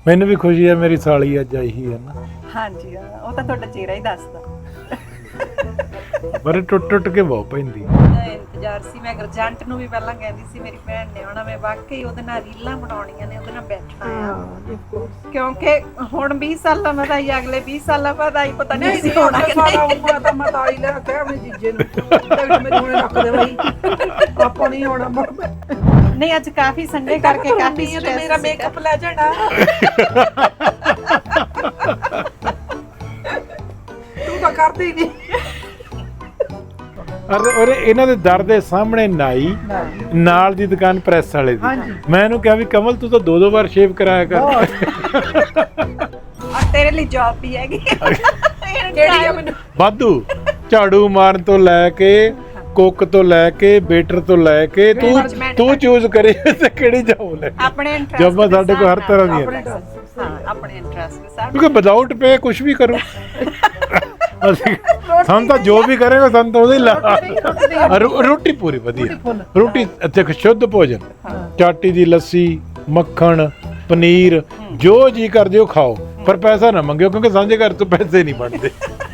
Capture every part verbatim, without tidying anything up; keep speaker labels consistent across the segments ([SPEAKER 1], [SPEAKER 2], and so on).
[SPEAKER 1] ਮੈਨੂੰ ਵੀ ਖੁਸ਼ੀ ਹੈ ਮੇਰੀ ਸਾਲੀ ਅੱਜ ਆਈ ਹੀ ਹੈ ਨਾ।
[SPEAKER 2] ਹਾਂਜੀ ਹਾਂ, ਉਹ ਤਾਂ ਤੁਹਾਡਾ ਚਿਹਰਾ ਹੀ ਦੱਸਦਾ।
[SPEAKER 1] ਪਰ ਟੁੱਟ ਟੁੱਟ ਕੇ ਬਹੁਤ ਪੈਂਦੀ।
[SPEAKER 2] ਇੰਤਜ਼ਾਰ ਸੀ। ਮੈਂ ਗਰਜੰਟ ਨੂੰ ਵੀ ਪਹਿਲਾਂ ਕਹਿੰਦੀ ਸੀ ਮੇਰੀ ਭੈਣ ਨੇ ਆਉਣਾ, ਮੈਂ ਵਾਕਈ ਉਹਦੇ ਨਾਲ ਰੀਲਾਂ ਬਣਾਉਣੀਆਂ ਨੇ, ਉਹਦੇ ਨਾਲ ਬੈਠਣਾ ਆ, ਕਿਉਂਕਿ ਹੁਣ ਵੀਹ ਸਾਲਾਂ ਬਾਅਦ ਆਈ, ਅਗਲੇ ਵੀਹ ਸਾਲਾਂ ਬਾਅਦ ਆਈ, ਪਤਾ ਨਹੀਂ ਸੀ ਹੋਣਾ ਕਿ ਨਹੀਂ।
[SPEAKER 3] ਤਾਂ ਮੈਂ ਤਾਈ ਲੈ ਕੇ ਆਪਣੇ ਜੀਜੇ ਨੂੰ ਮੇਰੇ ਹੁਣੇ ਰੱਖ ਦੇ ਬਈ, ਆਪਾਂ ਨਹੀਂ ਆਉਣਾ।
[SPEAKER 2] ਨਹੀਂ ਅੱਜ ਕਾਫੀ ਸੰਡੇ ਕਰਕੇ ਕਾਫੀ
[SPEAKER 3] ਮੇਰਾ ਮੇਕਅਪ ਲੈ ਜਾਣਾ। ਤੂੰ ਤਾਂ ਕਰਦੀ ਨਹੀਂ।
[SPEAKER 1] ਅਰੇ ਅਰੇ ਇਹਨਾਂ ਦੇ ਦਰ ਦੇ ਸਾਹਮਣੇ ਨਾਈ, ਨਾਲ ਦੀ ਦੁਕਾਨ ਪ੍ਰੈਸ ਵਾਲੇ ਦੀ। ਮੈਂ ਇਹਨੂੰ ਕਿਹਾ ਵੀ ਕਮਲ ਤੂੰ ਤਾਂ ਦੋ ਦੋ ਵਾਰ ਸ਼ੇਵ ਕਰਾਇਆ ਕਰ।
[SPEAKER 2] ਔਰ ਤੇਰੇ ਲਈ ਜੌਬ ਵੀ ਹੈਗੀ
[SPEAKER 3] ਕਿਹੜੀ ਆ ਮੈਨੂੰ
[SPEAKER 1] ਵਾਧੂ, ਝਾੜੂ ਮਾਰਨ ਤੋਂ ਲੈ ਕੇ ਕੁੱਕ ਤੋਂ ਲੈ ਕੇ ਵੇਟਰ ਤੋਂ ਲੈ ਕੇ ਤੂੰ ਤੂੰ ਚੂਜ਼ ਕਰੇ ਤੇ ਕਿਹੜੀ ਜੌਬ ਲੈ।
[SPEAKER 2] ਆਪਣੇ ਇੰਟਰਸਟ
[SPEAKER 1] ਜੌਬਾਂ ਸਾਡੇ ਕੋਲ ਹਰ ਤਰ੍ਹਾਂ ਦੀਆਂ ਨੇ।
[SPEAKER 2] ਹਾਂ ਆਪਣੇ ਇੰਟਰਸਟ ਦੇ ਸਾਥ।
[SPEAKER 1] ਕਿਉਂਕਿ ਵਿਦਆਊਟ ਪੇ ਕੁਝ ਵੀ ਕਰੋ ਅਸੀਂ, ਸਾਨੂੰ ਤਾਂ ਜੋ ਵੀ ਕਰੇਗਾ ਸਾਨੂੰ ਤਾਂ ਉਹਦੇ ਲਾ। ਰੋਟੀ ਪੂਰੀ ਵਧੀਆ, ਰੋਟੀ ਇੱਥੇ ਸ਼ੁੱਧ ਭੋਜਨ, ਚਾਟੀ ਦੀ ਲੱਸੀ, ਮੱਖਣ, ਪਨੀਰ, ਜੋ ਜੀ ਕਰਦੇ ਹੋ ਖਾਓ, ਪਰ ਪੈਸਾ ਨਾ ਮੰਗਿਓ ਕਿਉਂਕਿ ਸਾਂਝੇ ਘਰ ਤੋਂ ਪੈਸੇ ਨਹੀਂ ਬਣਦੇ।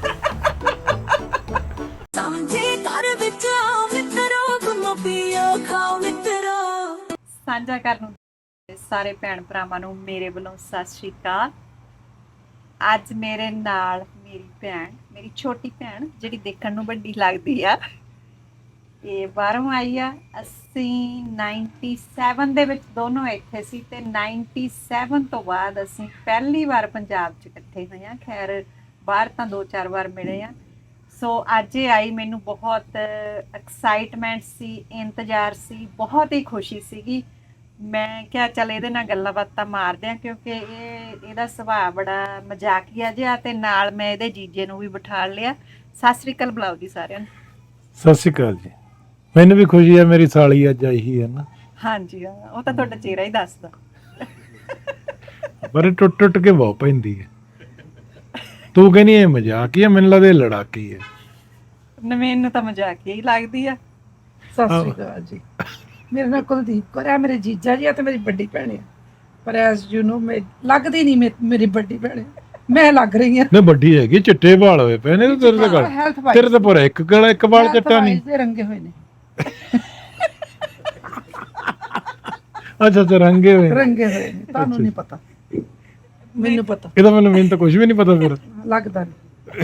[SPEAKER 2] ਸਾਂਝਾ ਕਰਨ ਨੂੰ ਸਾਰੇ ਭੈਣ ਭਰਾਵਾਂ ਨੂੰ ਮੇਰੇ ਵੱਲੋਂ ਸਤਿ ਸ਼੍ਰੀ ਅਕਾਲ। ਅੱਜ ਮੇਰੇ ਨਾਲ ਮੇਰੀ ਭੈਣ, ਮੇਰੀ ਛੋਟੀ ਭੈਣ ਜਿਹੜੀ ਦੇਖਣ ਨੂੰ ਵੱਡੀ ਲੱਗਦੀ ਆ, ਇਹ ਬਾਹਰੋਂ ਆਈ ਆ। ਅਸੀਂ ਸੱਤਰ ਦੇ ਵਿੱਚ ਦੋਨੋਂ ਇੱਥੇ ਸੀ ਤੇ ਸੱਤਰ ਤੋਂ ਬਾਅਦ ਅਸੀਂ ਪਹਿਲੀ ਵਾਰ ਪੰਜਾਬ 'ਚ ਇਕੱਠੇ ਹੋਏ ਆ। ਖੈਰ ਬਾਹਰ ਤਾਂ ਦੋ ਚਾਰ ਵਾਰ ਮਿਲੇ ਆ। ਸੋ ਅੱਜ ਇਹ ਆਈ, ਮੈਨੂੰ ਬਹੁਤ ਐਕਸਾਈਟਮੈਂਟ ਸੀ, ਇੰਤਜ਼ਾਰ ਸੀ, ਬਹੁਤ ਹੀ ਖੁਸ਼ੀ ਸੀਗੀ। ਮੈਂ ਕਿਹਾ ਚੱਲ ਇਹਦੇ ਨਾਲ ਗੱਲਾਂ ਬਾਤਾਂ ਮਾਰਦੇ ਆ ਕਿਉਂਕਿ ਇਹ ਇਹਦਾ ਸੁਭਾਅ ਬੜਾ ਮਜ਼ਾਕੀਆ ਜਿਹਾ, ਤੇ ਨਾਲ ਮੈਂ ਇਹਦੇ ਜੀਜੇ ਨੂੰ ਵੀ ਬਿਠਾ ਲਿਆ। ਸਤਿ ਸ੍ਰੀ ਅਕਾਲ ਬੁਲਾਓ ਜੀ ਸਾਰਿਆਂ ਨੂੰ।
[SPEAKER 1] ਸਤਿ ਸ਼੍ਰੀ ਅਕਾਲ ਜੀ। ਮੈਨੂੰ ਵੀ ਖੁਸ਼ੀ ਹੈ ਮੇਰੀ ਸਾਲੀ ਅੱਜ ਆਈ ਹੀ ਹੈ ਨਾ।
[SPEAKER 2] ਹਾਂਜੀ ਹਾਂ, ਉਹ ਤਾਂ ਤੁਹਾਡਾ ਚਿਹਰਾ ਹੀ ਦੱਸਦਾ।
[SPEAKER 1] ਪਰ ਟੁੱਟ ਟੁੱਟ ਕੇ ਬਹੁਤ ਪੈਂਦੀ ਹੈ। ਤੂੰ ਕਹਿੰਦੀ ਇਹ ਮਜ਼ਾਕ ਹੀ ਹੈ, ਮੈਨੂੰ ਲੱਗਦਾ ਇਹ ਲੜਾਕੀ ਹੈ।
[SPEAKER 2] ਮੈਨੂੰ ਤਾਂ ਮਜ਼ਾਕੀਆ ਹੀ ਲੱਗਦੀ ਆ।
[SPEAKER 3] ਸਤਿ ਸ਼੍ਰੀ ਅਕਾਲ ਜੀ। ਮੇਰੇ ਨਾਲ ਕੁਲਦੀਪ ਕੌਰ ਹੈ, ਮੇਰੇ ਜੀਜਾ ਜੀ ਆ ਤੇ ਮੇਰੀ ਵੱਡੀ ਭੈਣ ਆ। ਪਰ ਐਸ ਯੂ ਨੋ ਮੈਂ ਲੱਗਦੀ ਨਹੀਂ, ਮੇਰੀ ਵੱਡੀ ਭੈਣ, ਮੈਂ ਲੱਗ ਰਹੀ ਆ।
[SPEAKER 1] ਨਹੀਂ ਵੱਡੀ ਹੈਗੀ, ਚਿੱਟੇ ਵਾਲ ਹੋਏ ਪਏ ਨੇ ਤੇਰੇ ਤੇ ਗੱਲ, ਤੇਰੇ ਤੇ ਪੂਰਾ ਇੱਕ ਗਲਾ ਇੱਕ ਵਾਲ ਚਿੱਟਾ ਨਹੀਂ।
[SPEAKER 3] ਦੇ ਰੰਗੇ ਹੋਏ ਨੇ।
[SPEAKER 1] ਅੱਛਾ ਅੱਛਾ ਰੰਗੇ ਹੋਏ
[SPEAKER 3] ਰੰਗੇ ਹੋਏ ਨੇ, ਤੁਹਾਨੂੰ ਨਹੀਂ ਪਤਾ, ਮੈਨੂੰ ਪਤਾ।
[SPEAKER 1] ਇਹਦਾ ਮੈਨੂੰ ਮੈਨੂੰ ਤਾਂ ਕੁਝ ਵੀ ਨਹੀਂ ਪਤਾ ਫਿਰ।
[SPEAKER 3] ਲੱਗਦਾ ਨਹੀਂ।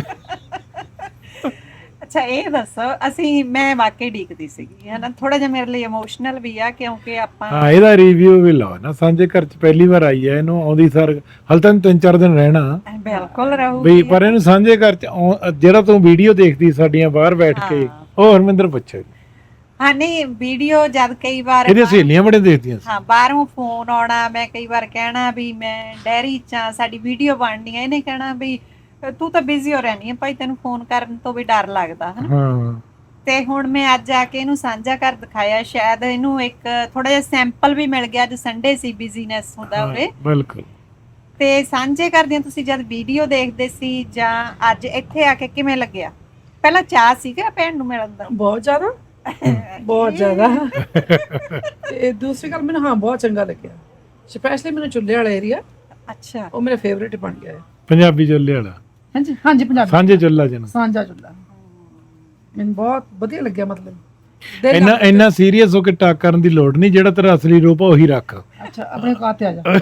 [SPEAKER 2] ਅੱਛਾ ਇਹ ਦੱਸੋ, ਅਸੀਂ ਮੈਂ ਵਾਕਈ ਡੀਕਦੀ ਸੀਗੀ ਹੈ ਨਾ, ਥੋੜਾ ਜਿਹਾ ਮੇਰੇ ਲਈ ਇਮੋਸ਼ਨਲ ਵੀ ਆ ਕਿਉਂਕਿ ਆਪਾਂ
[SPEAKER 1] ਹਾਂ ਇਹਦਾ ਰਿਵਿਊ ਵੀ ਲਾਓ ਨਾ। ਸਾਂਝੇ ਘਰ ਚ ਪਹਿਲੀ ਵਾਰ ਆਈ ਹੈ, ਇਹਨੂੰ ਆਉਂਦੀ ਸਰ ਹਲ ਤਾਂ ਤਿੰਨ ਚਾਰ ਦਿਨ ਰਹਿਣਾ
[SPEAKER 2] ਬਿਲਕੁਲ ਰਹੂਗੀ
[SPEAKER 1] ਵੀ, ਪਰ ਇਹਨੂੰ ਸਾਂਝੇ ਘਰ ਚ ਆਉਂ- ਜਿਹੜਾ ਤੂੰ ਵੀਡੀਓ ਦੇਖਦੀ ਸਾਡੀਆਂ ਬਾਹਰ ਬੈਠ ਕੇ, ਉਹ ਹਰਮਿੰਦਰ ਪੁੱਛੋ।
[SPEAKER 2] ਹਾਂ ਨਹੀਂ ਵੀਡੀਓ ਜਦ ਕਈ ਵਾਰ
[SPEAKER 1] ਇਹਦੀਆਂ ਸਹੇਲੀਆਂ ਬੜੇ ਦੇਖਦੀਆਂ ਸੀ।
[SPEAKER 2] ਹਾਂ ਬਾਹਰੋਂ ਫੋਨ ਆਉਣਾ, ਮੈਂ ਕਈ ਵਾਰ ਕਹਿਣਾ ਵੀ ਮੈਂ ਡੈਰੀ ਚ ਆ, ਸਾਡੀ ਵੀਡੀਓ ਬਣਨੀ ਹੈ, ਇਹਨੇ ਕਹਿਣਾ ਵੀ ਤੂੰ ਤਾਂ ਬਿਜ਼ੀ ਹੋ ਰਹਿਣੀ ਹੈ ਭਾਈ, ਤੈਨੂੰ ਫੋਨ ਕਰਨ ਤੋਂ ਵੀ ਡਰ ਲੱਗਦਾ ਹੈ।
[SPEAKER 1] ਹਾਂ
[SPEAKER 2] ਤੇ ਹੁਣ ਮੈਂ ਅੱਜ ਆ ਕੇ ਇਹਨੂੰ ਸਾਂਝਾ ਘਰ ਦਿਖਾਇਆ, ਸ਼ਾਇਦ ਇਹਨੂੰ ਇੱਕ ਥੋੜਾ ਜਿਹਾ ਸੈਂਪਲ ਵੀ ਮਿਲ ਗਿਆ। ਅੱਜ ਸੰਡੇ ਸੀ, ਬਿਜ਼ੀਨੈਸ ਹੁੰਦਾ ਉਰੇ।
[SPEAKER 1] ਬਿਲਕੁਲ।
[SPEAKER 2] ਤੇ ਸਾਂਝੇ ਘਰ ਦੀਆਂ ਤੁਸੀਂ ਜਦ ਵੀਡੀਓ ਦੇਖਦੇ ਸੀ ਜਾਂ ਅੱਜ ਇੱਥੇ ਆ ਕੇ ਕਿਵੇਂ ਲੱਗਿਆ? ਪਹਿਲਾਂ ਚਾਹ ਸੀਗਾ ਭੈਣ ਨੂੰ ਮਿਲਣ ਦਾ?
[SPEAKER 3] ਬਹੁਤ ਜ਼ਿਆਦਾ, ਬਹੁਤ ਜ਼ਿਆਦਾ। ਤੇ ਦੂਸਰੀ ਗੱਲ ਮੈਨੂੰ ਹਾਂ ਬਹੁਤ ਚੰਗਾ ਲੱਗਿਆ, ਸਪੈਸ਼ਲੀ ਮੈਨੂੰ ਚੁੱਲ੍ਹੇ ਵਾਲਾ ਏਰੀਆ।
[SPEAKER 2] ਅੱਛਾ
[SPEAKER 3] ਉਹ ਮੇਰਾ ਫੇਵਰੇਟ ਬਣ ਗਿਆ ਹੈ।
[SPEAKER 1] ਪੰਜਾਬੀ ਚੁੱਲ੍ਹੇ ਵਾਲਾ।
[SPEAKER 3] ਹਾਂਜੀ ਹਾਂਜੀ ਪੰਜਾਬੀ
[SPEAKER 1] ਸਾਂਝੇ ਚੁੱਲ੍ਹਾ ਜਿਹਨੂੰ
[SPEAKER 3] ਸਾਂਝਾ ਚੁੱਲ੍ਹਾ ਮੈਨੂੰ ਬਹੁਤ ਵਧੀਆ ਲੱਗਿਆ। ਮਤਲਬ
[SPEAKER 1] ਇੰਨਾ ਇੰਨਾ ਸੀਰੀਅਸ ਹੋ ਕੇ ਟਾਕ ਕਰਨ ਦੀ ਲੋੜ ਨਹੀਂ, ਜਿਹੜਾ ਤੇਰਾ ਅਸਲੀ ਰੂਪ ਆ ਉਹੀ ਰੱਖ।
[SPEAKER 3] ਅੱਛਾ ਆਪਣੇ ਕਾਤੇ ਆ ਜਾ।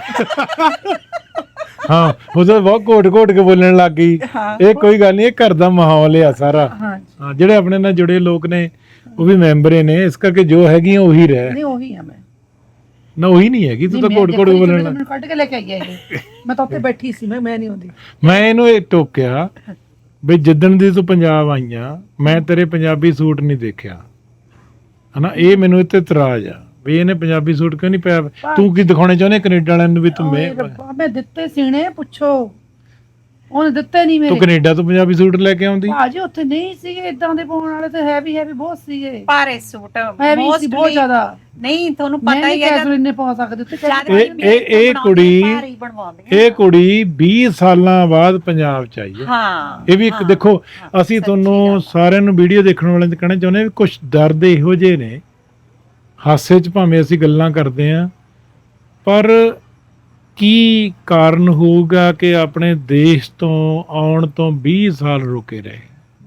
[SPEAKER 1] ਹਾਂ ਉਹਦਾ ਬਹੁਤ ਘੋਟ ਘੋਟ ਕੇ ਬੋਲਣ ਲੱਗ ਗਈ। ਇਹ ਕੋਈ ਗੱਲ ਨਹੀਂ, ਇਹ ਘਰ ਦਾ ਮਾਹੌਲ ਆ ਸਾਰਾ। ਹਾਂ ਜਿਹੜੇ ਆਪਣੇ ਨਾਲ ਜੁੜੇ ਲੋਕ ਨੇ ਉਹ ਵੀ ਮੈਂਬਰ ਨੇ, ਇਸ ਕਰਕੇ ਜੋ ਹੈਗੀਆਂ ਉਹੀ ਰਹਿ।
[SPEAKER 3] ਨਹੀਂ ਉਹੀ ਆ ਮੈਂ
[SPEAKER 1] ਨਾ ਉਹੀ ਨਹੀਂ ਹੈਗੀ, ਤੂੰ ਤਾਂ ਘੋਟ ਘੋਟ ਕੇ ਬੋਲਣ ਲੱਗ।
[SPEAKER 3] ਮੈਨੂੰ ਕੱਢ ਕੇ ਲੈ ਕੇ ਆਈ ਇਹ, ਮੈਂ ਤਾਂ ਉੱਥੇ ਬੈਠੀ ਸੀ, ਮੈਂ ਮੈਂ ਨਹੀਂ ਹੁੰਦੀ।
[SPEAKER 1] ਮੈਂ ਇਹਨੂੰ ਇਹ ਟੋਕਿਆ ਵੀ ਜਿੱਦਣ ਦੀ ਤੂੰ ਪੰਜਾਬ ਆਈਆਂ ਮੈਂ ਤੇਰੇ ਪੰਜਾਬੀ ਸੂਟ ਨਹੀਂ ਦੇਖਿਆ ਹਨਾ। ਇਹ ਮੈਨੂੰ ਇੱਥੇ ਇਤਰਾਜ਼ ਆ ਵੀ ਇਹਨੇ ਪੰਜਾਬੀ ਸੂਟ ਕਿਉਂ ਨਹੀਂ ਪਾਇਆ। ਤੂੰ ਕੀ ਦਿਖਾਉਣੇ ਚਾਹੁੰਦੇ ਕੈਨੇਡਾ ਵਾਲਿਆਂ ਨੂੰ ਵੀ ਤੂੰ ਮੈਂ
[SPEAKER 3] ਮੈਂ ਦਿੱਤੇ ਸੀਣੇ? ਪੁੱਛੋ, ਉਹਨੇ ਦਿੱਤੇ ਨਹੀਂ ਮੇਰੇ।
[SPEAKER 1] ਤੂੰ ਕੈਨੇਡਾ ਤੋਂ ਪੰਜਾਬੀ ਸੂਟ ਲੈ ਕੇ ਆਉਂਦੀ?
[SPEAKER 3] ਭਾਜੀ ਉੱਥੇ ਨਹੀਂ ਸੀਗੇ ਇਦਾਂ ਦੇ ਪਾਉਣ ਵਾਲੇ, ਤੇ ਹੈਵੀ ਹੈਵੀ ਬਹੁਤ ਸੀਗੇ,
[SPEAKER 2] ਭਾਰੇ ਸੂਟ
[SPEAKER 3] ਹੈਵੀ ਸੀ ਬਹੁਤ ਜ਼ਿਆਦਾ।
[SPEAKER 2] ਨਹੀਂ ਤੁਹਾਨੂੰ ਪਤਾ ਹੀ ਹੈ
[SPEAKER 3] ਕੈਜੂਅਲ ਇੰਨੇ ਪਾ ਸਕਦੇ ਉੱਥੇ।
[SPEAKER 1] ਇਹ ਇਹ ਇਹ ਕੁੜੀ ਇਹ ਕੁੜੀ ਵੀਹ ਸਾਲਾਂ ਬਾਅਦ ਪੰਜਾਬ ਚ ਆਈ ਹੈ।
[SPEAKER 2] ਹਾਂ
[SPEAKER 1] ਇਹ ਵੀ ਇੱਕ ਦੇਖੋ, ਅਸੀਂ ਤੁਹਾਨੂੰ ਸਾਰਿਆਂ ਨੂੰ ਵੀਡੀਓ ਦੇਖਣ ਵਾਲਿਆਂ ਨੂੰ ਕਹਿਣਾ ਚਾਹੁੰਦੇ ਵੀ ਕੁਝ ਦਰਦ ਇਹੋ ਜਿਹੇ ਨੇ, ਹਾਸੇ ਚ ਭਾਵੇਂ ਅਸੀਂ ਗੱਲਾਂ ਕਰਦੇ ਆਂ ਪਰ ਕੀ ਕਾਰਨ ਹੋਊਗਾ ਕਿ ਆਪਣੇ ਦੇਸ਼ ਤੋਂ ਆਉਣ ਤੋਂ ਵੀਹ ਸਾਲ ਰੁਕੇ ਰਹੇ।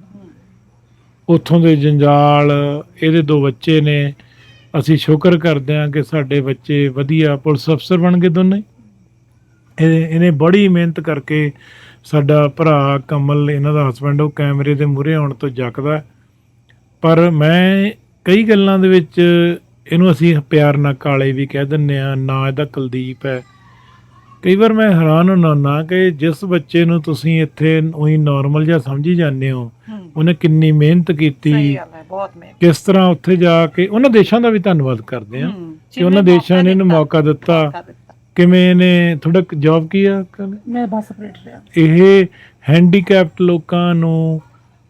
[SPEAKER 1] ਉੱਥੋਂ ਦੇ ਜੰਜਾਲ, ਇਹਦੇ ਦੋ ਬੱਚੇ ਨੇ, ਅਸੀਂ ਸ਼ੁਕਰ ਕਰਦੇ ਹਾਂ ਕਿ ਸਾਡੇ ਬੱਚੇ ਵਧੀਆ ਪੁਲਿਸ ਅਫਸਰ ਬਣ ਗਏ ਦੋਨੇ। ਇਹ ਇਹਨੇ ਬੜੀ ਮਿਹਨਤ ਕਰਕੇ, ਸਾਡਾ ਭਰਾ ਕਮਲ ਇਹਨਾਂ ਦਾ ਹਸਬੈਂਡ, ਉਹ ਕੈਮਰੇ ਦੇ ਮੂਹਰੇ ਆਉਣ ਤੋਂ ਜੱਕਦਾ। ਪਰ ਮੈਂ ਕਈ ਗੱਲਾਂ ਦੇ ਵਿੱਚ ਇਹਨੂੰ ਅਸੀਂ ਪਿਆਰ ਨਾਲ ਕਾਲੇ ਵੀ ਕਹਿ ਦਿੰਦੇ ਹਾਂ, ਨਾ ਇਹਦਾ ਕੁਲਦੀਪ ਹੈ। ਕਈ ਵਾਰ ਮੈਂ ਹੈਰਾਨ ਹੁੰਦਾ ਕਿ ਜਿਸ ਬੱਚੇ ਨੂੰ ਤੁਸੀਂ ਇੱਥੇ ਉਹੀ ਨੋਰਮਲ ਜਿਹਾ ਸਮਝੀ ਜਾਂਦੇ ਹੋ, ਉਹਨੇ ਕਿੰਨੀ ਮਿਹਨਤ ਕੀਤੀ, ਕਿਸ ਤਰ੍ਹਾਂ ਉੱਥੇ ਜਾ ਕੇ। ਉਹਨਾਂ ਦੇਸ਼ਾਂ ਦਾ ਵੀ ਧੰਨਵਾਦ ਕਰਦੇ ਹਾਂ ਕਿ ਉਹਨਾਂ ਦੇਸ਼ਾਂ ਨੇ ਇਹਨੂੰ ਮੌਕਾ ਦਿੱਤਾ। ਕਿਵੇਂ ਇਹਨੇ ਥੋੜਾ ਜੌਬ ਕੀ ਆ,
[SPEAKER 3] ਮੈਂ ਬੱਸ ਆਪਰੇਟਰ ਆ।
[SPEAKER 1] ਇਹ ਹੈਂਡੀਕੈਪਟ ਲੋਕਾਂ ਨੂੰ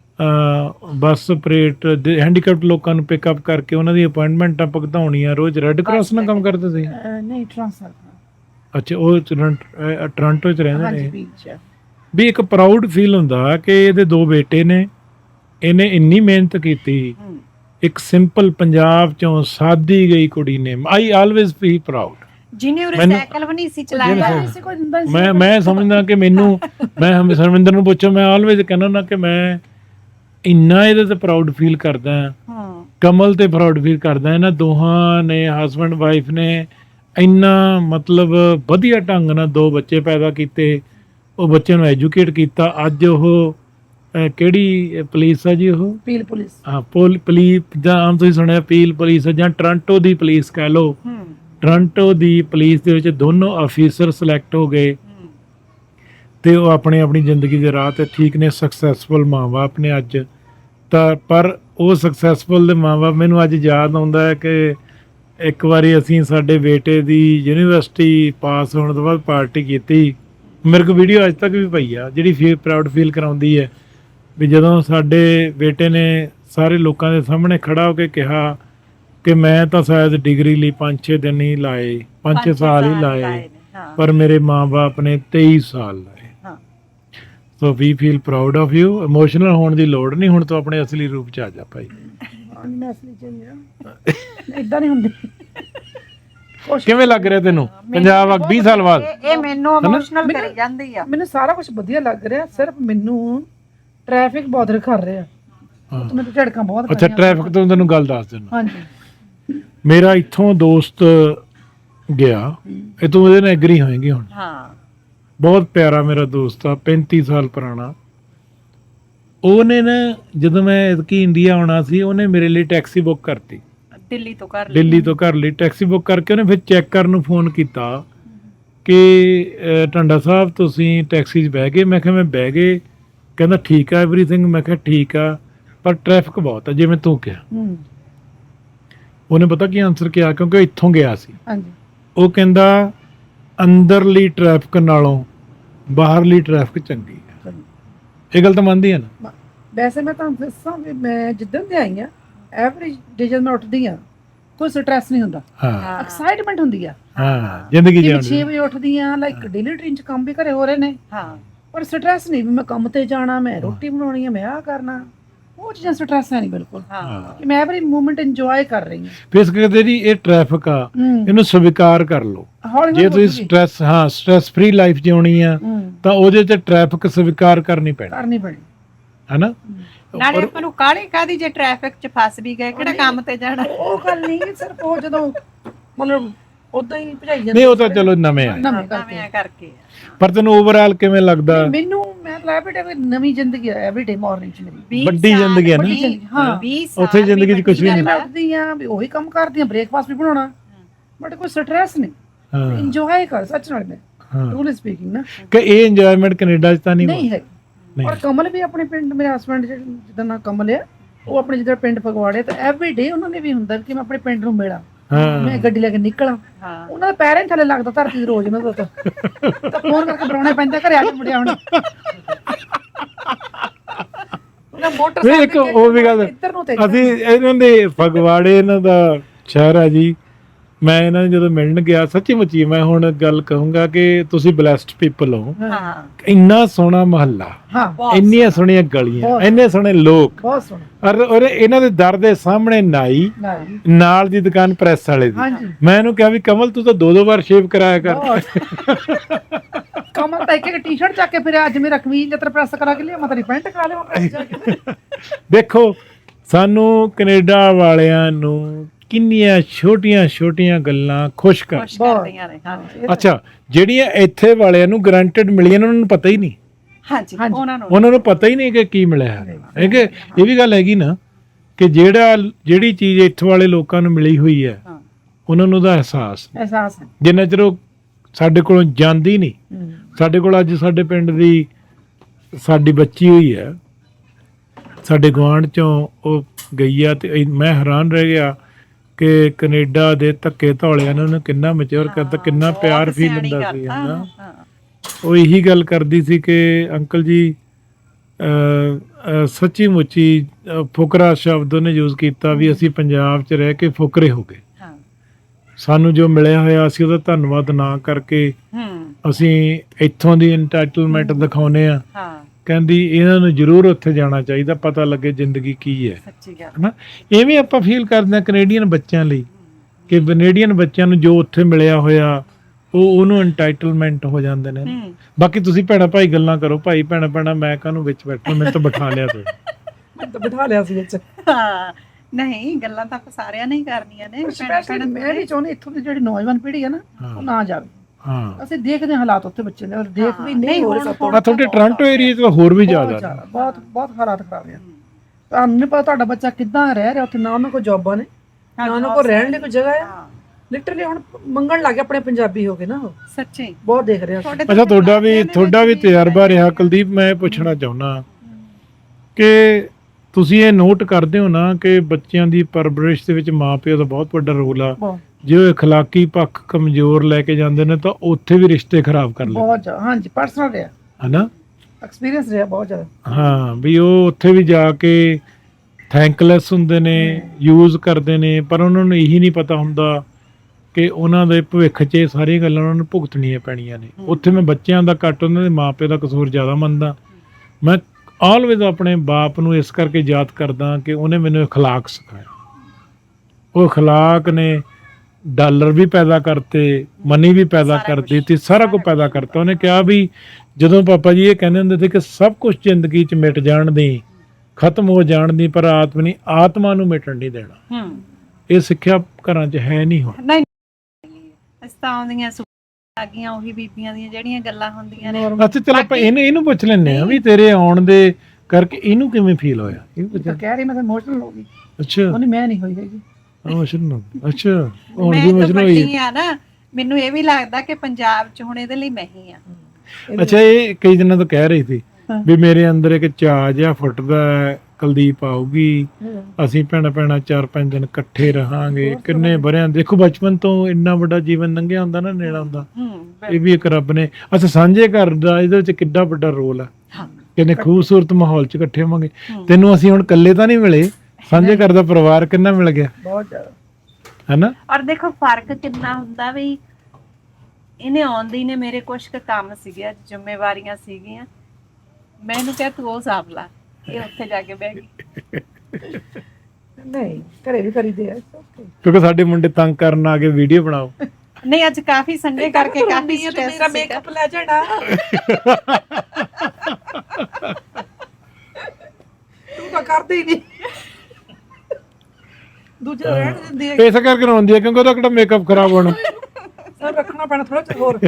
[SPEAKER 1] ਬੱਸ ਆਪਰੇਟ ਹੈਂਡੀਕੈਪਟ ਲੋਕਾਂ ਨੂੰ ਪਿਕਅਪ ਕਰਕੇ ਉਹਨਾਂ ਦੀ ਅਪਾਇੰਟਮੈਂਟਾਂ ਭੁਗਤਾਉਣੀਆਂ। ਰੋਜ਼ ਰੈੱਡ ਕਰਾਸ ਨਾਲ ਕੰਮ ਕਰਦੇ ਸੀ।
[SPEAKER 3] ਨਹੀਂ, ਟ੍ਰਾਂਸਫਰ।
[SPEAKER 1] ਅੱਛਾ, ਉਹ ਟੋਰਾਂਟੋ 'ਚ ਰਹਿੰਦੇ ਨੇ। ਵੀ ਇੱਕ ਪ੍ਰਾਊਡ ਫੀਲ ਹੁੰਦਾ ਕਿ ਇਹਦੇ ਦੋ ਬੇਟੇ ਨੇ, ਇਹਨੇ ਇੰਨੀ ਮਿਹਨਤ ਕੀਤੀ। ਇੱਕ ਸਿੰਪਲ ਪੰਜਾਬ 'ਚੋਂ ਸਾਦੀ ਗਈ ਕੁੜੀ ਨੇ। I always feel proud.
[SPEAKER 2] ਜਿਹਨੇ ਉਹ ਸਾਈਕਲ ਵੀ ਨਹੀਂ ਸੀ ਚਲਾਇਆ,
[SPEAKER 1] ਮੈਂ ਮੈਂ ਸਮਝਦਾ ਕਿ ਮੈਨੂੰ, ਮੈਂ ਸਰਵਿੰਦਰ ਨੂੰ ਪੁੱਛੋ, ਮੈਂ ਆਲਵੇਜ਼ ਕਹਿੰਦਾ ਨਾ ਕਿ ਮੈਂ ਇੰਨਾ ਇਹਦੇ ਤੇ ਪ੍ਰਾਊਡ ਫੀਲ ਕਰਦਾ ਹਾਂ, ਕਮਲ ਤੇ ਪ੍ਰਾਊਡ ਫੀਲ ਕਰਦਾ। ਇਹਨਾਂ ਦੋਹਾਂ ਨੇ, ਹਸਬੈਂਡ ਵਾਈਫ ਨੇ, ਇੰਨਾ ਮਤਲਬ ਵਧੀਆ ਢੰਗ ਨਾਲ ਦੋ ਬੱਚੇ ਪੈਦਾ ਕੀਤੇ, ਉਹ ਬੱਚਿਆਂ ਨੂੰ ਐਜੂਕੇਟ ਕੀਤਾ। ਅੱਜ ਉਹ ਕਿਹੜੀ ਪੁਲਿਸ ਆ ਜੀ? ਉਹ
[SPEAKER 3] ਪੀਲ ਪੁਲਿਸ।
[SPEAKER 1] ਹਾਂ, ਪੋਲ ਪੁਲਿਸ ਜਾਂ ਆਮ ਤੁਸੀਂ ਸੁਣਿਆ ਪੀਲ ਪੁਲਿਸ, ਜਾਂ ਟੋਰਾਂਟੋ ਦੀ ਪੁਲਿਸ ਕਹਿ ਲਓ। ਟੋਰਾਂਟੋ ਦੀ ਪੁਲਿਸ ਦੇ ਵਿੱਚ ਦੋਨੋਂ ਆਫੀਸਰ ਸਿਲੈਕਟ ਹੋ ਗਏ ਤੇ ਉਹ ਆਪਣੇ ਆਪਣੀ ਜ਼ਿੰਦਗੀ ਦੇ ਰਾਹ ਤੇ ਠੀਕ ਨੇ, ਸਕਸੈਸਫੁਲ ਮਾਂ ਬਾਪ ਨੇ ਅੱਜ ਤਾਂ। ਪਰ ਉਹ ਸਕਸੈਸਫੁਲ ਦੇ ਮਾਂ ਬਾਪ, ਮੈਨੂੰ ਅੱਜ ਯਾਦ ਆਉਂਦਾ ਹੈ ਕਿ ਇੱਕ ਵਾਰੀ ਅਸੀਂ ਸਾਡੇ ਬੇਟੇ ਦੀ ਯੂਨੀਵਰਸਿਟੀ ਪਾਸ ਹੋਣ ਤੋਂ ਬਾਅਦ ਪਾਰਟੀ ਕੀਤੀ। ਮੇਰੇ ਕੋਲ ਵੀਡੀਓ ਅੱਜ ਤੱਕ ਵੀ ਪਈ ਆ, ਜਿਹੜੀ ਫੀਲ ਪ੍ਰਾਊਡ ਫੀਲ ਕਰਾਉਂਦੀ ਹੈ ਵੀ ਜਦੋਂ ਸਾਡੇ ਬੇਟੇ ਨੇ ਸਾਰੇ ਲੋਕਾਂ ਦੇ ਸਾਹਮਣੇ ਖੜਾ ਹੋ ਕੇ ਕਿਹਾ ਕਿ ਮੈਂ ਤਾਂ ਸ਼ਾਇਦ ਡਿਗਰੀ ਲਈ ਪੰਜ ਛੇ ਦਿਨ ਹੀ ਲਾਏ, ਪੰਜ ਛੇ ਸਾਲ ਹੀ ਲਾਏ, ਪਰ ਮੇਰੇ ਮਾਂ ਬਾਪ ਨੇ ਤੇਈ ਸਾਲ ਲਾਏ। So we feel proud of you. Emotional ਹੋਣ ਦੀ ਲੋੜ ਨਹੀਂ, ਹੁਣ ਤੂੰ ਆਪਣੇ ਅਸਲੀ ਰੂਪ 'ਚ ਆ ਜਾ ਭਾਈ।
[SPEAKER 3] ਇਦਾਂ ਨਹੀਂ ਹੁੰਦੀ।
[SPEAKER 1] ਕਿਵੇਂ ਲੱਗ ਰਿਹਾ ਤੈਨੂੰ ਪੰਜਾਬ ਆ ਵੀਹ ਸਾਲ ਬਾਅਦ?
[SPEAKER 2] ਇਹ ਮੈਨੂੰ ਇਮੋਸ਼ਨਲ ਕਰੀ ਜਾਂਦੀ ਆ।
[SPEAKER 3] ਮੈਨੂੰ ਸਾਰਾ ਕੁਝ ਵਧੀਆ ਲੱਗ ਰਿਹਾ, ਸਿਰਫ ਮੈਨੂੰ ਟ੍ਰੈਫਿਕ ਬਹੁਤ ਕਰ ਰਿਹਾ। ਮੈਨੂੰ ਝੜਕਾਂ ਬਹੁਤ।
[SPEAKER 1] ਅੱਛਾ, ਟ੍ਰੈਫਿਕ ਤੋਂ ਤੈਨੂੰ ਗੱਲ ਦੱਸ ਦਿੰਦਾ।
[SPEAKER 3] ਹਾਂਜੀ,
[SPEAKER 1] ਮੇਰਾ ਇੱਥੋਂ ਦੋਸਤ ਗਿਆ, ਇਹ ਤੂੰ ਉਹਦੇ ਨਾਲ ਐਗਰੀ ਹੋਏਗੀ ਹੁਣ।
[SPEAKER 2] ਹਾਂ,
[SPEAKER 1] ਬਹੁਤ ਪਿਆਰਾ ਮੇਰਾ ਦੋਸਤ ਆ, ਪੈਂਤੀ ਸਾਲ ਪੁਰਾਣਾ। ਉਹਨੇ ਨਾ, ਜਦੋਂ ਮੈਂ ਐਤਕੀ ਇੰਡੀਆ ਆਉਣਾ ਸੀ, ਉਹਨੇ ਮੇਰੇ ਲਈ ਟੈਕਸੀ ਬੁੱਕ ਕਰਤੀ।
[SPEAKER 2] ਦਿੱਲੀ ਤੋਂ ਕਰ ਲਈ
[SPEAKER 1] ਦਿੱਲੀ ਤੋਂ ਘਰ ਲਈ ਟੈਕਸੀ ਬੁੱਕ ਕਰਕੇ ਉਹਨੇ ਫਿਰ ਚੈੱਕ ਕਰਨ ਨੂੰ ਫੋਨ ਕੀਤਾ ਕਿ ਟੰਡਾ ਸਾਹਿਬ ਤੁਸੀਂ ਟੈਕਸੀ 'ਚ ਬਹਿ ਗਏ? ਮੈਂ ਕਿਹਾ ਮੈਂ ਬਹਿ ਗਏ। ਕਹਿੰਦਾ ਠੀਕ ਆ ਐਵਰੀਥਿੰਗ। ਮੈਂ ਕਿਹਾ ਠੀਕ ਆ, ਪਰ ਟ੍ਰੈਫਿਕ ਬਹੁਤ ਆ, ਜਿਵੇਂ ਤੂੰ ਕਿਹਾ। ਉਹਨੇ ਪਤਾ ਕੀ ਆਨਸਰ ਕਿਹਾ, ਕਿਉਂਕਿ ਇੱਥੋਂ ਗਿਆ ਸੀ। ਉਹ ਕਹਿੰਦਾ ਅੰਦਰਲੀ ਟ੍ਰੈਫਿਕ ਨਾਲੋਂ ਬਾਹਰਲੀ ਟ੍ਰੈਫਿਕ ਚੰਗੀ ਹੈ। ਇਹ ਗੱਲ ਤਾਂ ਮੰਨਦੀ ਹੈ ਨਾ?
[SPEAKER 3] ਵੈਸੇ ਮੈਂ ਤੁਹਾਨੂੰ ਦੱਸਾਂ ਵੀ ਮੈਂ ਜਿੱਦਣ ਦੇ ਆਈ ਆ, ਐਵਰੇਜ ਡੇ ਜਦ ਮੈਂ ਉੱਠਦੀ ਆ, ਕੋਈ ਸਟ੍ਰੈਸ ਨਹੀਂ ਹੁੰਦਾ।
[SPEAKER 1] ਹਾਂ,
[SPEAKER 3] ਐਕਸਾਈਟਮੈਂਟ ਹੁੰਦੀ ਆ।
[SPEAKER 1] ਹਾਂ, ਜ਼ਿੰਦਗੀ ਜਿਉਣੀ।
[SPEAKER 3] ਛੇ ਵਜੇ ਉੱਠਦੀ ਆ, ਲਾਈਕ ਡੇਲੀ ਰੂਟੀਨ 'ਚ ਕੰਮ ਵੀ ਘਰੇ ਹੋ ਰਹੇ ਨੇ।
[SPEAKER 2] ਹਾਂ,
[SPEAKER 3] ਪਰ ਸਟ੍ਰੈਸ ਨਹੀਂ ਵੀ ਮੈਂ ਕੰਮ ਤੇ ਜਾਣਾ, ਮੈਂ ਰੋਟੀ ਬਣਾਉਣੀ ਆ, ਮੈਂ ਆਹ ਕਰਨਾ, ਉਹ ਚੀਜ਼ਾਂ ਸਟ੍ਰੈਸ ਹੈ ਨਹੀਂ ਬਿਲਕੁਲ।
[SPEAKER 2] ਹਾਂ,
[SPEAKER 3] ਕਿ ਮੈਂ ਐਵਰੀ ਮੂਮੈਂਟ ਇੰਜੋਏ ਕਰ ਰਹੀ ਹਾਂ।
[SPEAKER 1] ਫੇਸ ਕਰਦੇ ਜੀ ਇਹ ਟ੍ਰੈਫਿਕ ਆ, ਇਹਨੂੰ ਸਵੀਕਾਰ ਕਰ ਲਓ। ਜੇ ਤੁਸੀਂ ਸਟ੍ਰੈਸ, ਹਾਂ ਸਟ੍ਰੈਸ ਫ੍ਰੀ ਲਾਈਫ ਜਿਉਣੀ ਆ, ਤਾਂ ਉਹਦੇ ਤੇ ਟ੍ਰੈਫਿਕ ਸਵੀਕਾਰ ਕਰਨੀ ਪੈਣੀ
[SPEAKER 3] ਕਰਨੀ ਪੈਣੀ
[SPEAKER 1] ਹੈ ਨਾ।
[SPEAKER 2] ਨਾਲੇ ਆਪਾਂ ਨੂੰ ਕਾਹਲੀ ਕਾਹਦੀ, ਜੇ ਟ੍ਰੈਫਿਕ 'ਚ ਫਸ ਵੀ ਗਏ, ਕਿਹੜਾ ਕੰਮ ਤੇ ਜਾਣਾ।
[SPEAKER 3] ਉਹ ਗੱਲ ਨਹੀਂ, ਸਿਰਫ ਉਹ ਜਦੋਂ ਮਤਲਬ ਉਦਾਂ ਹੀ ਭਜਾਈ ਜਾਂਦੇ।
[SPEAKER 1] ਨਹੀਂ, ਉਹ ਤਾਂ ਚਲੋ ਨਵੇਂ ਆਏ,
[SPEAKER 3] ਨਵੇਂ
[SPEAKER 2] ਕਰਕੇ।
[SPEAKER 1] ਪਰ ਤੈਨੂੰ ਓਵਰਆਲ ਕਿਵੇਂ ਲੱਗਦਾ?
[SPEAKER 3] ਮੈਨੂੰ ਮੈਂ ਤਾਂ ਐਵਰੀ ਡੇ ਨਵੀਂ ਜ਼ਿੰਦਗੀ ਆ, ਐਵਰੀ ਡੇ ਮਾਰਨਿੰਗ 'ਚ ਮੇਰੀ
[SPEAKER 1] ਵੱਡੀ ਜ਼ਿੰਦਗੀ ਹੈ ਨਾ।
[SPEAKER 3] ਹਾਂ,
[SPEAKER 1] ਉੱਥੇ ਜ਼ਿੰਦਗੀ 'ਚ ਕੁਝ ਵੀ ਨਹੀਂ।
[SPEAKER 3] ਮੈਂ ਉੱਠਦੀ ਆ ਵੀ ਉਹੀ ਕੰਮ ਕਰਦੀ ਆ, ਬ੍ਰੇਕਫਾਸਟ ਵੀ ਬਣਾਉਣਾ, ਬਟ ਕੋਈ ਸਟ੍ਰੈਸ ਨਹੀਂ। ਇੰਜੋਏ ਕਰ ਸੱਚ ਨਾਲ, ਮੈਂ ਟਰੂਲੀ ਸਪੀਕਿੰਗ ਨਾ,
[SPEAKER 1] ਕਿ ਇਹ ਇੰਜੋਇਮੈਂਟ ਕੈਨੇਡਾ 'ਚ ਤਾਂ ਨਹੀਂ
[SPEAKER 3] ਨਹੀਂ ਹੈ। ਔਰ ਕਮਲ ਵੀ ਆਪਣੇ ਪਿੰਡ, ਮੇਰੇ ਹਸਬੈਂਡ ਜਿੱਦਾਂ ਨਾ ਕਮਲ ਆ, ਉਹ ਆਪਣੇ ਜਿੱਦਾਂ ਪਿੰਡ ਫਗਵਾੜੇ, ਤਾਂ ਐਵਰੀ ਡੇ ਉਹਨਾਂ ਨੇ ਵੀ ਹੁੰਦਾ ਕਿ ਮੈਂ ਆਪਣੇ ਪਿੰਡ ਨੂੰ ਮਿਲਾਂ, ਮੈਂ ਗੱਡੀ ਲੈ ਕੇ ਨਿਕਲਾਂ। ਉਹਨਾਂ ਦਾ ਪੈਰਾਂ ਥੱਲੇ ਲੱਗਦਾ ਧਰਤੀ ਰੋਜ਼ ਉਹਨਾਂ ਦਾ, ਤਾਂ ਫੋਨ ਕਰਕੇ ਬੁਲਾਉਣੇ ਪੈਂਦਾ, ਘਰੇ ਆ ਕੇ ਮੁੜਿਆ ਹੁਣ।
[SPEAKER 1] ਇੱਕ ਉਹ ਵੀ ਗੱਲ, ਅਸੀਂ ਇਹਨਾਂ ਦੇ ਫਗਵਾੜੇ ਇਹਨਾਂ ਦਾ ਸ਼ਹਿਰ ਆ ਜੀ, ਮੈਂ ਇਹਨਾਂ ਨੂੰ ਜਦੋਂ ਮਿਲਣ ਗਿਆ ਸੱਚੀ ਮੁੱਚੀ ਮੈਂ ਹੁਣ ਗੱਲ ਕਹੂੰਗਾ ਕਿ ਤੁਸੀਂ ਬਲੈਸਡ ਪੀਪਲ ਹੋ।
[SPEAKER 2] ਹਾਂ
[SPEAKER 1] ਇੰਨਾ ਸੋਹਣਾ ਮਹੱਲਾ,
[SPEAKER 3] ਹਾਂ
[SPEAKER 2] ਬਹੁਤ
[SPEAKER 1] ਇੰਨੀਆਂ ਸੋਹਣੀਆਂ ਗਲੀਆਂ,
[SPEAKER 3] ਬਹੁਤ।
[SPEAKER 1] ਇੰਨੇ ਸੋਹਣੇ ਲੋਕ,
[SPEAKER 3] ਬਹੁਤ ਸੋਹਣਾ।
[SPEAKER 1] ਔਰ ਔਰ ਇਹਨਾਂ ਦੇ ਦਰ ਦੇ ਸਾਹਮਣੇ ਨਾਈ,
[SPEAKER 3] ਨਹੀਂ
[SPEAKER 1] ਨਾਲ ਦੀ ਦੁਕਾਨ ਪ੍ਰੈਸ ਵਾਲੇ ਦੀ।
[SPEAKER 3] ਹਾਂਜੀ
[SPEAKER 1] ਮੈਂ ਇਹਨੂੰ ਕਿਹਾ ਵੀ ਕਮਲ ਤੂੰ ਤਾਂ ਦੋ ਦੋ ਵਾਰ ਸ਼ੇਵ ਕਰਾਇਆ ਕਰ।
[SPEAKER 3] ਬਹੁਤ। ਕਮਲ ਤਾਂ ਇੱਕ ਇੱਕ ਟੀ-ਸ਼ਰਟ ਚੱਕ ਕੇ ਫਿਰ ਅੱਜ ਮੇਰਾ ਕਮੀਜ਼ ਜਤਰ ਪ੍ਰੈਸ ਕਰਾ ਕੇ ਲਿਆ, ਮੈਂ ਤੇਰੀ ਪੈਂਟ ਕਰਾ ਲਿਆ ਪ੍ਰੈਸ ਜਾ ਕੇ।
[SPEAKER 1] ਦੇਖੋ ਸਾਨੂੰ ਕੈਨੇਡਾ ਵਾਲਿਆਂ ਨੂੰ ਕਿੰਨੀਆਂ ਛੋਟੀਆਂ ਛੋਟੀਆਂ ਗੱਲਾਂ ਖੁਸ਼ ਕਰ।
[SPEAKER 2] ਖੁਸ਼ ਕਰਦੀਆਂ ਨੇ। ਹਾਂਜੀ
[SPEAKER 1] ਅੱਛਾ, ਜਿਹੜੀਆਂ ਇੱਥੇ ਵਾਲਿਆਂ ਨੂੰ ਗਰੰਟਡ ਮਿਲੀਆਂ ਉਹਨਾਂ ਨੂੰ ਪਤਾ ਹੀ ਨਹੀਂ,
[SPEAKER 2] ਹਾਂਜੀ
[SPEAKER 3] ਹਾਂਜੀ।
[SPEAKER 2] ਉਹਨਾਂ ਨੂੰ
[SPEAKER 1] ਉਹਨਾਂ ਨੂੰ ਪਤਾ ਹੀ ਨਹੀਂ ਕਿ ਕੀ ਮਿਲਿਆ ਹੈ। ਇਹ ਕਿ ਇਹ ਵੀ ਗੱਲ ਹੈਗੀ ਨਾ ਕਿ ਜਿਹੜਾ ਜਿਹੜੀ ਚੀਜ਼ ਇੱਥੋਂ ਵਾਲੇ ਲੋਕਾਂ ਨੂੰ ਮਿਲੀ ਹੋਈ ਹੈ
[SPEAKER 2] ਹਾਂ
[SPEAKER 1] ਉਹਨਾਂ ਨੂੰ ਉਹਦਾ ਅਹਿਸਾਸ ਨਹੀਂ।
[SPEAKER 3] ਅਹਿਸਾਸ ਹੈ।
[SPEAKER 1] ਜਿੰਨਾ ਚਿਰ ਉਹ ਸਾਡੇ ਕੋਲੋਂ ਜਾਂਦੀ ਨਹੀਂ।
[SPEAKER 3] ਹੂੰ।
[SPEAKER 1] ਸਾਡੇ ਕੋਲ ਅੱਜ ਸਾਡੇ ਪਿੰਡ ਦੀ ਸਾਡੀ ਬੱਚੀ ਹੋਈ ਹੈ, ਸਾਡੇ ਗੁਆਂਢ ਚੋਂ ਉਹ ਗਈ ਆ ਤੇ ਮੈਂ ਹੈਰਾਨ ਰਹਿ ਗਿਆ ਕਿ ਕੈਨੇਡਾ ਦੇ ਧੱਕੇ ਧੌਲਿਆਂ ਨੇ ਉਹਨੂੰ ਕਿੰਨਾ ਮੈਚੁਰ ਕਰਤਾ, ਕਿੰਨਾ
[SPEAKER 2] ਬਹੁਤ
[SPEAKER 1] ਪਿਆਰ ਫੀਲ
[SPEAKER 2] ਸਿਆਣੀ
[SPEAKER 1] ਹੁੰਦਾ ਸੀ
[SPEAKER 2] ਕਰਤਾ
[SPEAKER 1] ਹਨਾ।
[SPEAKER 2] ਉਹਨੂੰ। ਹਾਂ
[SPEAKER 1] ਉਹ ਇਹੀ ਗੱਲ ਕਰਦੀ ਸੀ ਕਿ ਅੰਕਲ ਜੀ ਅਹ, ਅਹ, ਸੱਚੀ ਮੁੱਚੀ ਅਹ, ਫੁਕਰਾ ਸ਼ਬਦ ਉਹਨੇ ਯੂਜ਼ ਕੀਤਾ ਵੀ ਅਸੀਂ ਪੰਜਾਬ 'ਚ ਰਹਿ ਕੇ ਫੁਕਰੇ ਹੋ ਗਏ।
[SPEAKER 2] ਹਾਂ
[SPEAKER 1] ਸਾਨੂੰ ਜੋ ਮਿਲਿਆ ਹੋਇਆ ਅਸੀਂ ਉਹਦਾ ਧੰਨਵਾਦ ਨਾ ਕਰਕੇ
[SPEAKER 2] ਹੂੰ
[SPEAKER 1] ਅਸੀਂ ਇੱਥੋਂ ਦੀ ਇੰਟਾਈਟਲਮੈਂਟ ਦਿਖਾਉਨੇ ਆ।
[SPEAKER 2] ਹਾਂ
[SPEAKER 1] ਕਹਿੰਦੀ ਇਹਨਾਂ ਨੂੰ ਜ਼ਰੂਰ ਉੱਥੇ ਜਾਣਾ ਚਾਹੀਦਾ, ਪਤਾ ਲੱਗੇ ਜ਼ਿੰਦਗੀ ਕੀ ਹੈ
[SPEAKER 2] ਸੱਚੀ ਗੱਲ।
[SPEAKER 1] ਹਨਾ। ਐਵੇਂ ਆਪਾਂ ਫੀਲ ਕਰਦੇ ਹਾਂ ਕੈਨੇਡੀਅਨ ਬੱਚਿਆਂ ਲਈ ਕਿ ਕੈਨੇਡੀਅਨ ਬੱਚਿਆਂ ਨੂੰ ਜੋ ਉੱਥੇ ਮਿਲਿਆ ਹੋਇਆ ਉਹ ਉਹਨੂੰ ਇੰਟਾਈਟਲਮੈਂਟ ਹੋ ਜਾਂਦੇ ਨੇ।
[SPEAKER 2] ਹੂੰ
[SPEAKER 1] ਬਾਕੀ ਤੁਸੀਂ ਭੈਣਾ ਭਾਈ ਗੱਲਾਂ ਕਰੋ, ਭਾਈ ਭੈਣਾ ਭੈਣਾ ਮੈਂ ਕਾਹਨੂੰ ਵਿੱਚ ਬੈਠਾ, ਮੈਨੂੰ ਤਾਂ ਬਿਠਾ ਲਿਆ ਤੁਸੀਂ।
[SPEAKER 3] ਮੈਂ ਤਾਂ ਬਿਠਾ ਲਿਆ ਸੀ ਵਿੱਚ।
[SPEAKER 2] ਹਾਂ ਨਹੀਂ ਗੱਲਾਂ ਤਾਂ ਆਪਾਂ ਸਾਰਿਆਂ ਨੇ ਹੀ ਕਰਨੀਆਂ ਨੇ। ਭੈਣਾਂ
[SPEAKER 3] ਸਪੈਸ਼ਲੀ
[SPEAKER 2] ਭੈਣਾਂ
[SPEAKER 3] ਮੈਂ ਵੀ ਚਾਹੁੰਦੀ ਇੱਥੋਂ ਦੀ ਜਿਹੜੀ ਨੌਜਵਾਨ ਪੀੜ੍ਹੀ ਹੈ ਨਾ ਉਹ ਨਾ ਜਾਵੇ।
[SPEAKER 1] ਹਾਂ
[SPEAKER 3] ਅਸੀਂ ਦੇਖਦੇ ਹਾਂ ਹਾਲਾਤ ਉੱਥੇ ਬੱਚੇ ਦੇ, ਔਰ ਦੇਖ ਵੀ ਨਹੀਂ
[SPEAKER 2] ਨਹੀਂ
[SPEAKER 3] ਹੋ ਰਹੇ
[SPEAKER 2] ਹੁਣ-
[SPEAKER 3] ਸਭ ਤੋਂ
[SPEAKER 1] ਆ ਤੁਹਾਡੇ ਟੋਰਾਂਟੋ ਏਰੀਆ 'ਚ ਤਾਂ ਹੋਰ ਵੀ
[SPEAKER 3] ਬਹੁਤ
[SPEAKER 1] ਜ਼ਿਆਦਾ
[SPEAKER 3] ਜ਼ਿਆਦਾ, ਬਹੁਤ ਬਹੁਤ ਹਾਲਾਤ ਖਰਾਬ ਆ। ਤੁਹਾਨੂੰ ਨਹੀਂ ਪਤਾ ਤੁਹਾਡਾ ਬੱਚਾ ਕਿੱਦਾਂ ਰਹਿ ਰਿਹਾ ਉੱਥੇ, ਨਾ ਉਹਨਾਂ ਕੋਲ ਜੌਬਾਂ ਨੇ ਨਾ ਉਹਨਾਂ ਕੋਲ ਰਹਿਣ ਲਈ ਕੋਈ ਜਗ੍ਹਾ ਆ।
[SPEAKER 2] ਹਾਂ
[SPEAKER 3] ਲਿਟਰਲੀ ਹੁਣ ਮੰਗਣ ਲੱਗ ਗਏ, ਆਪਣੇ ਪੰਜਾਬੀ ਹੋ ਗਏ ਨਾ ਉਹ,
[SPEAKER 2] ਸੱਚੀ।
[SPEAKER 3] ਬਹੁਤ ਦੇਖ ਰਿਹਾ।
[SPEAKER 2] ਤੁਹਾਡੇ
[SPEAKER 1] ਅੱਛਾ ਤੁਹਾਡਾ ਵੀ ਤੁਹਾਡਾ ਵੀ ਤਜਰਬਾ ਰਿਹਾ ਕੁਲਦੀਪ। ਮੈਂ ਪੁੱਛਣਾ ਚਾਹੁੰਦਾ ਕਿ ਤੁਸੀਂ ਇਹ ਨੋਟ ਕਰਦੇ ਹੋ ਨਾ ਕਿ ਬੱਚਿਆਂ ਦੀ ਪਰਵਰਿਸ਼ ਦੇ ਵਿੱਚ ਮਾਪਿਓ ਦਾ ਬਹੁਤ ਵੱਡਾ ਰੋਲ ਆ।
[SPEAKER 3] ਬਹੁਤ
[SPEAKER 1] ਜੇ ਉਹ اخلاقی ਪੱਖ ਕਮਜ਼ੋਰ ਲੈ ਕੇ ਜਾਂਦੇ ਨੇ ਤਾਂ ਉੱਥੇ ਵੀ ਰਿਸ਼ਤੇ ਖਰਾਬ ਕਰ ਲੈਂਦੇ
[SPEAKER 3] ਬਹੁਤ ਜ਼ਿਆਦਾ। ਹਾਂਜੀ ਪਰਸਨਲ ਰਿਹਾ,
[SPEAKER 1] ਹਨਾ।
[SPEAKER 3] ਐਕਸਪੀਰੀਅੰਸ ਰਿਹਾ ਬਹੁਤ ਜ਼ਿਆਦਾ।
[SPEAKER 1] ਹਾਂ ਵੀ ਉਹ ਉੱਥੇ ਵੀ ਜਾ ਕੇ ਥੈਂਕਲੈਸ ਹੁੰਦੇ ਨੇ, ਯੂਜ਼ ਕਰਦੇ ਨੇ, ਪਰ ਉਹਨਾਂ ਨੂੰ ਇਹੀ ਨਹੀਂ ਪਤਾ ਹੁੰਦਾ ਕਿ ਉਹਨਾਂ ਦੇ ਭਵਿੱਖ 'ਚ ਇਹ ਸਾਰੀਆਂ ਗੱਲਾਂ ਉਹਨਾਂ ਨੂੰ ਭੁਗਤਣੀਆਂ ਪੈਣੀਆਂ ਨੇ। ਉੱਥੇ ਮੈਂ ਬੱਚਿਆਂ ਦਾ ਘੱਟ ਉਹਨਾਂ ਦੇ ਮਾਪਿਆਂ ਦਾ ਕਸੂਰ ਜ਼ਿਆਦਾ ਮੰਨਦਾ। ਮੈਂ ਆਲਵੇਜ਼ ਆਪਣੇ ਬਾਪ ਨੂੰ ਇਸ ਕਰਕੇ ਯਾਦ ਕਰਦਾ ਕਿ ਉਹਨੇ ਮੈਨੂੰ اخلاق ਸਿਖਾਇਆ। ਉਹ اخلاق ਨੇ ਡਾਲਰ ਵੀ ਪੈਦਾ ਕਰਤੇ, ਮਨੀ ਵੀ ਪੈਦਾ ਕਰ ਦਿੱਤੀ, ਸਾਰਾ ਕੁਝ ਪੈਦਾ ਕਰਤਾ। ਉਹਨੇ ਕਿਹਾ ਵੀ ਜਦੋਂ ਪਾਪਾ ਜੀ ਇਹ ਕਹਿੰਦੇ ਹੁੰਦੇ ਸੀ ਕਿ ਸਭ ਕੁਝ ਜ਼ਿੰਦਗੀ 'ਚ ਮਿਟ ਜਾਣ ਦੀ, ਖਤਮ ਹੋ ਜਾਣ ਦੀ, ਪਰ ਆਤਮ ਨਹੀਂ, ਆਤਮਾ ਨੂੰ ਮਿਟਣ ਨਹੀਂ ਦੇਣਾ।
[SPEAKER 2] ਹੂੰ
[SPEAKER 1] ਇਹ ਸਿੱਖਿਆ ਘਰਾਂ 'ਚ ਹੈ ਨਹੀਂ ਹੁਣ।
[SPEAKER 2] ਨਹੀਂ ਅਸਤਾ ਆਉਂਦੀਆਂ ਸੁ ਆ ਗਈਆਂ ਉਹੀ ਬੀਬੀਆਂ ਦੀਆਂ ਜਿਹੜੀਆਂ ਗੱਲਾਂ ਹੁੰਦੀਆਂ ਨੇ।
[SPEAKER 1] ਅੱਛਾ ਚਲ ਆਪਾਂ ਇਹਨੂੰ ਇਹਨੂੰ ਪੁੱਛ ਲੈਂਦੇ ਆ ਵੀ ਤੇਰੇ ਆਉਣ ਦੇ ਕਰਕੇ ਇਹਨੂੰ ਕਿਵੇਂ ਫੀਲ ਹੋਇਆ? ਇਹ
[SPEAKER 3] ਤਾਂ
[SPEAKER 1] ਪੁੱਛ।
[SPEAKER 3] ਕਹਿ ਰਹੀ ਮੈਂ ਤਾਂ ਇਮੋਸ਼ਨਲ ਹੋ ਗਈ।
[SPEAKER 1] ਅੱਛਾ
[SPEAKER 3] ਉਹਨੇ ਮੈਂ ਨਹੀਂ ਹੋਈ ਹੈਗੀ।
[SPEAKER 1] ਇਮੋਸ਼ਨਲ। ਅੱਛਾ ਹੁਣ
[SPEAKER 2] ਮੈਂ
[SPEAKER 1] ਵੀ
[SPEAKER 2] ਤਾਂ
[SPEAKER 1] ਇਮੋਸ਼ਨਲ ਹੋਈ।
[SPEAKER 2] ਵੱਡੀ ਆ ਨਾ, ਮੈਨੂੰ ਇਹ ਵੀ ਲੱਗਦਾ ਕਿ ਪੰਜਾਬ 'ਚ ਹੁਣ ਇਹਦੇ ਲਈ ਮੈਂ ਹੀ ਆ।
[SPEAKER 1] ਅੱਛਾ ਇਹ ਕਈ ਦਿਨਾਂ ਤੋਂ ਕਹਿ ਰਹੀ ਸੀ ਵੀ ਮੇਰੇ ਅੰਦਰ ਇੱਕ ਚਾਅ ਜਿਹਾ ਫੁੱਟਦਾ ਹੈ, ਕੁਲਦੀਪ ਆਊਗੀ, ਅਸੀਂ ਭੈਣਾਂ ਭੈਣਾਂ ਚਾਰ ਪੰਜ ਦਿਨ ਇਕੱਠੇ ਰਹਾਂਗੇ। ਕਿੰਨੇ ਵਰਿਆਂ ਦੇਖੋ ਬਚਪਨ ਤੋਂ ਇੰਨਾ ਵੱਡਾ ਜੀਵਨ ਲੰਘਿਆ ਹੁੰਦਾ ਨਾ, ਨੇੜਾ ਹੁੰਦਾ।
[SPEAKER 2] ਹੂੰ
[SPEAKER 1] ਇਹ ਵੀ ਇੱਕ ਰੱਬ ਨੇ। ਅੱਛਾ ਸਾਂਝੇ ਘਰ ਦਾ ਇਹਦੇ ਵਿੱਚ ਕਿੱਡਾ ਵੱਡਾ ਰੋਲ ਆ।
[SPEAKER 2] ਹਾਂ
[SPEAKER 1] ਕਿੰਨੇ ਖੂਬਸੂਰਤ ਮਾਹੌਲ 'ਚ ਇਕੱਠੇ ਹੋਵਾਂਗੇ।
[SPEAKER 2] ਹੂੰ।
[SPEAKER 1] ਤੈਨੂੰ ਅਸੀਂ ਹੁਣ ਇਕੱਲੇ ਤਾਂ ਨਹੀਂ ਮਿਲੇ, ਸਾਂਝੇ ਘਰ ਦਾ ਪਰਿਵਾਰ ਕਿੰਨਾ ਮਿਲ ਗਿਆ
[SPEAKER 3] ਬਹੁਤ ਜ਼ਿਆਦਾ।
[SPEAKER 1] ਹੈਨਾ।
[SPEAKER 2] ਔਰ ਦੇਖੋ ਫਰਕ ਕਿੰਨਾ ਹੁੰਦਾ ਵੀ ਇਹਨੇ ਆਉਂਦੀ ਨੇ ਮੇਰੇ ਕੁਛ ਕੁ ਕੰਮ ਸੀਗੇ, ਜ਼ਿੰਮੇਵਾਰੀਆਂ ਸੀਗੀਆਂ, ਮੈਨੂੰ ਕਿਹਾ ਤੂੰ ਉਹ ਸਾਂਭ ਲਾ, ਇਹ ਉੱਥੇ ਜਾ ਕੇ ਬਹਿ ਗਈ।
[SPEAKER 3] ਨਹੀਂ ਘਰੇ ਵੀ ਕਰੀਦੇ ਆ। Okay.
[SPEAKER 1] ਕਿਉਂਕਿ ਸਾਡੇ ਮੁੰਡੇ ਤੰਗ ਕਰਨ ਆ ਕੇ ਵੀਡੀਓ ਬਣਾਓ।
[SPEAKER 2] ਨਹੀਂ ਅੱਜ ਕਾਫੀ ਸੰਡੇ ਕਰਕੇ ਕਾਫੀ ਸਟ੍ਰੈਸ
[SPEAKER 3] ਮੇਰਾ ਮੇਕਅਪ ਲੈ ਜਾਣਾ। ਤੂੰ ਤਾਂ ਕਰਦੀ ਹੀ ਨਹੀਂ। ਦੂਜੇ ਰਹਿਣ ਦਿੰਦੀ ਹੈ।
[SPEAKER 1] ਇਸ ਕਰਕੇ ਰੋਂਦੀ ਹੈ ਕਿਉਂਕਿ ਉਹਦਾ ਕਿਹੜਾ ਮੇਕਅਪ ਖਰਾਬ ਹੋਣਾ।
[SPEAKER 3] ਸਰ ਰੱਖਣਾ ਪੈਣਾ ਥੋੜਾ ਚਿਰ ਹੋਰ।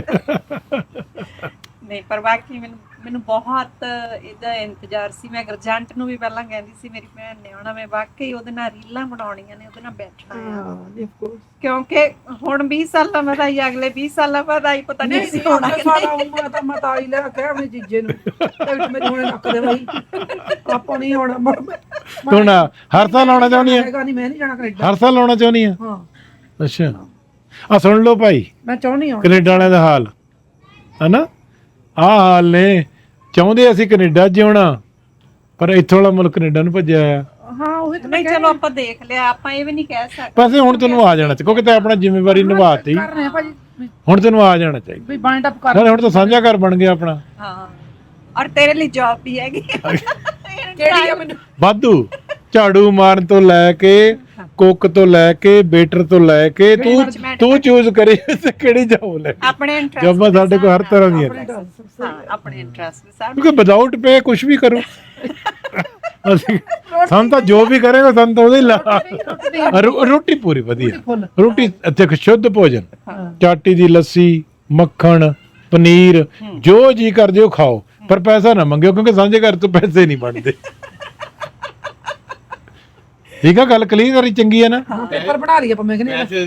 [SPEAKER 2] ਨਹੀਂ ਪਰ ਬਾਕੀ ਮੈਨੂੰ ਮੈਨੂੰ ਬਹੁਤ ਇਹਦਾ ਇੰਤਜ਼ਾਰ ਸੀ। ਮੈਂ ਗਰਜੰਟ ਨੂੰ ਵੀ ਪਹਿਲਾਂ ਕਹਿੰਦੀ ਸੀ ਮੇਰੀ ਭੈਣ ਨੇ ਆਉਣਾ, ਮੈਂ ਵਾਕਈ ਉਹਦੇ ਨਾਲ ਰੀਲਾਂ ਬਣਾਉਣੀਆਂ ਨੇ, ਉਹਦੇ ਨਾਲ ਬੈਠਣਾ ਆ।
[SPEAKER 3] ਹਾਂ ਜੀ ਆਫ ਕੋਰਸ।
[SPEAKER 2] ਕਿਉਂਕਿ ਹੁਣ ਵੀਹ ਸਾਲਾਂ ਬਾਅਦ ਆਈ, ਅਗਲੇ ਵੀਹ ਸਾਲਾਂ ਬਾਅਦ ਆਈ, ਪਤਾ ਨਹੀਂ ਸੀ ਹੋਣਾ ਕਿ
[SPEAKER 3] ਸਾਡਾ ਉਮਰ ਤਾਂ ਮਤਾ ਹੀ ਲੈ ਕੇ ਆਪਣੇ ਜੀਜੇ ਨੂੰ ਤੇ ਮੇਰੇ ਹੁਣੇ ਨੱਕ ਦੇ ਬਈ ਆਪਾਂ ਨਹੀਂ ਆਉਣਾ।
[SPEAKER 1] ਹੁਣ ਹਰ ਸਾਲ ਆਉਣਾ ਚਾਹੁੰਦੀ ਆ?
[SPEAKER 3] ਹੈਗਾ ਨਹੀਂ, ਮੈਂ ਨਹੀਂ ਜਾਣਾ ਕੈਨੇਡਾ।
[SPEAKER 1] ਹਰ ਸਾਲ ਆਉਣਾ ਚਾਹੁੰਦੀ ਆ?
[SPEAKER 3] ਹਾਂ
[SPEAKER 1] ਅੱਛਾ ਆ ਸੁਣ ਲਓ ਭਾਈ
[SPEAKER 3] ਮੈਂ ਚਾਹੁੰਦੀ ਹਾਂ।
[SPEAKER 1] ਕੈਨੇਡਾ ਵਾਲਿਆਂ ਦਾ ਹਾਲ ਹਨਾ, ਆਹ ਹਾਲ ਨੇ। ਚਾਹੁੰਦੇ ਅਸੀਂ ਕੈਨੇਡਾ ਜਿਉਣਾ, ਪਰ ਇੱਥੋਂ ਵਾਲਾ ਮੁਲਕ ਕੈਨੇਡਾ ਨੂੰ ਭੱਜਿਆ ਆ।
[SPEAKER 3] ਹਾਂ ਉਹੀ ਤਾਂ ਮੈਂ
[SPEAKER 2] ਨਹੀਂ ਚਲੋ ਆਪਾਂ ਦੇਖ ਲਿਆ, ਆਪਾਂ ਇਹ ਵੀ ਨਹੀਂ ਕਹਿ ਸਕਦੇ
[SPEAKER 1] ਪਾਸੇ ਹੁਣ ਤੈਨੂੰ ਆ ਜਾਣਾ ਚਾਹੀਦਾ ਕਿਉਂਕਿ ਤੈਂ ਆਪਣਾ ਜ਼ਿੰਮੇਵਾਰੀ ਨਿਭਾਤੀ।
[SPEAKER 3] ਕਰ ਰਹੇ ਆ ਭਾਜੀ ਵੀ-
[SPEAKER 1] ਹੁਣ ਤੈਨੂੰ ਆ ਜਾਣਾ ਚਾਹੀਦਾ।
[SPEAKER 3] ਵੀ ਬਾਈਂਡ ਅਪ ਕਰ
[SPEAKER 1] ਨਾਲੇ ਹੁਣ ਤਾਂ ਸਾਂਝਾ ਘਰ ਬਣ ਗਿਆ ਆਪਣਾ।
[SPEAKER 2] ਹਾਂ, ਔਰ ਤੇਰੇ ਲਈ ਜੌਬ ਵੀ ਹੈਗੀ।
[SPEAKER 3] ਕਿਹੜੀ ਆ ਮੈਨੂੰ
[SPEAKER 1] ਵਾਧੂ ਝਾੜੂ ਮਾਰਨ ਤੋਂ ਲੈ ਕੇ ਕੁੱਕ ਤੋਂ ਲੈ ਕੇ ਵੇਟਰ ਤੋਂ ਲੈ ਕੇ ਤੂੰ ਤੂੰ ਚੂਜ਼ ਕਰੀ ਤੇ ਕਿਹੜੀ ਜੌਬ ਲੈ।
[SPEAKER 2] ਆਪਣੇ ਇੰਟਰਸਟ
[SPEAKER 1] ਜੌਬਾਂ ਸਾਡੇ ਕੋਲ ਹਰ ਤਰ੍ਹਾਂ ਦੀਆਂ ਨੇ
[SPEAKER 2] ਹਾਂ, ਆਪਣੇ ਇੰਟਰਸਟ ਦੇ ਸਾਥ।
[SPEAKER 1] ਕਿਉਂਕਿ ਵਿਦਆਊਟ ਪੇ ਕੁਝ ਵੀ ਕਰੋ ਅਸੀਂ ਸਾਨੂੰ ਤਾਂ ਜੋ ਵੀ ਕਰੇਗਾ ਸਾਨੂੰ ਤਾਂ ਉਹਦੇ ਲਾ ਰੋ- ਰੋਟੀ ਪੂਰੀ ਵਧੀਆ
[SPEAKER 3] ਫੁੱਲ
[SPEAKER 1] ਰੋਟੀ ਇੱਥੇ ਸ਼ੁੱਧ ਭੋਜਨ, ਚਾਟੀ ਦੀ ਲੱਸੀ, ਮੱਖਣ, ਪਨੀਰ, ਜੋ ਜੀ ਕਰਦੇ ਹੋ ਖਾਓ, ਪਰ ਪੈਸਾ ਨਾ ਮੰਗਿਓ ਕਿਉਂਕਿ ਸਾਂਝੇ ਘਰ ਤੋਂ ਪੈਸੇ ਨਹੀਂ ਬਣਦੇ। ਠੀਕ ਆ, ਗੱਲ ਕਲੀਅਰ ਕਰੀ ਚੰਗੀ ਹੈ ਨਾ।
[SPEAKER 3] ਪੇਪਰ ਬਣਾ ਲਈ ਆਪਾਂ ਮੈਂ ਕਹਿੰਦੀ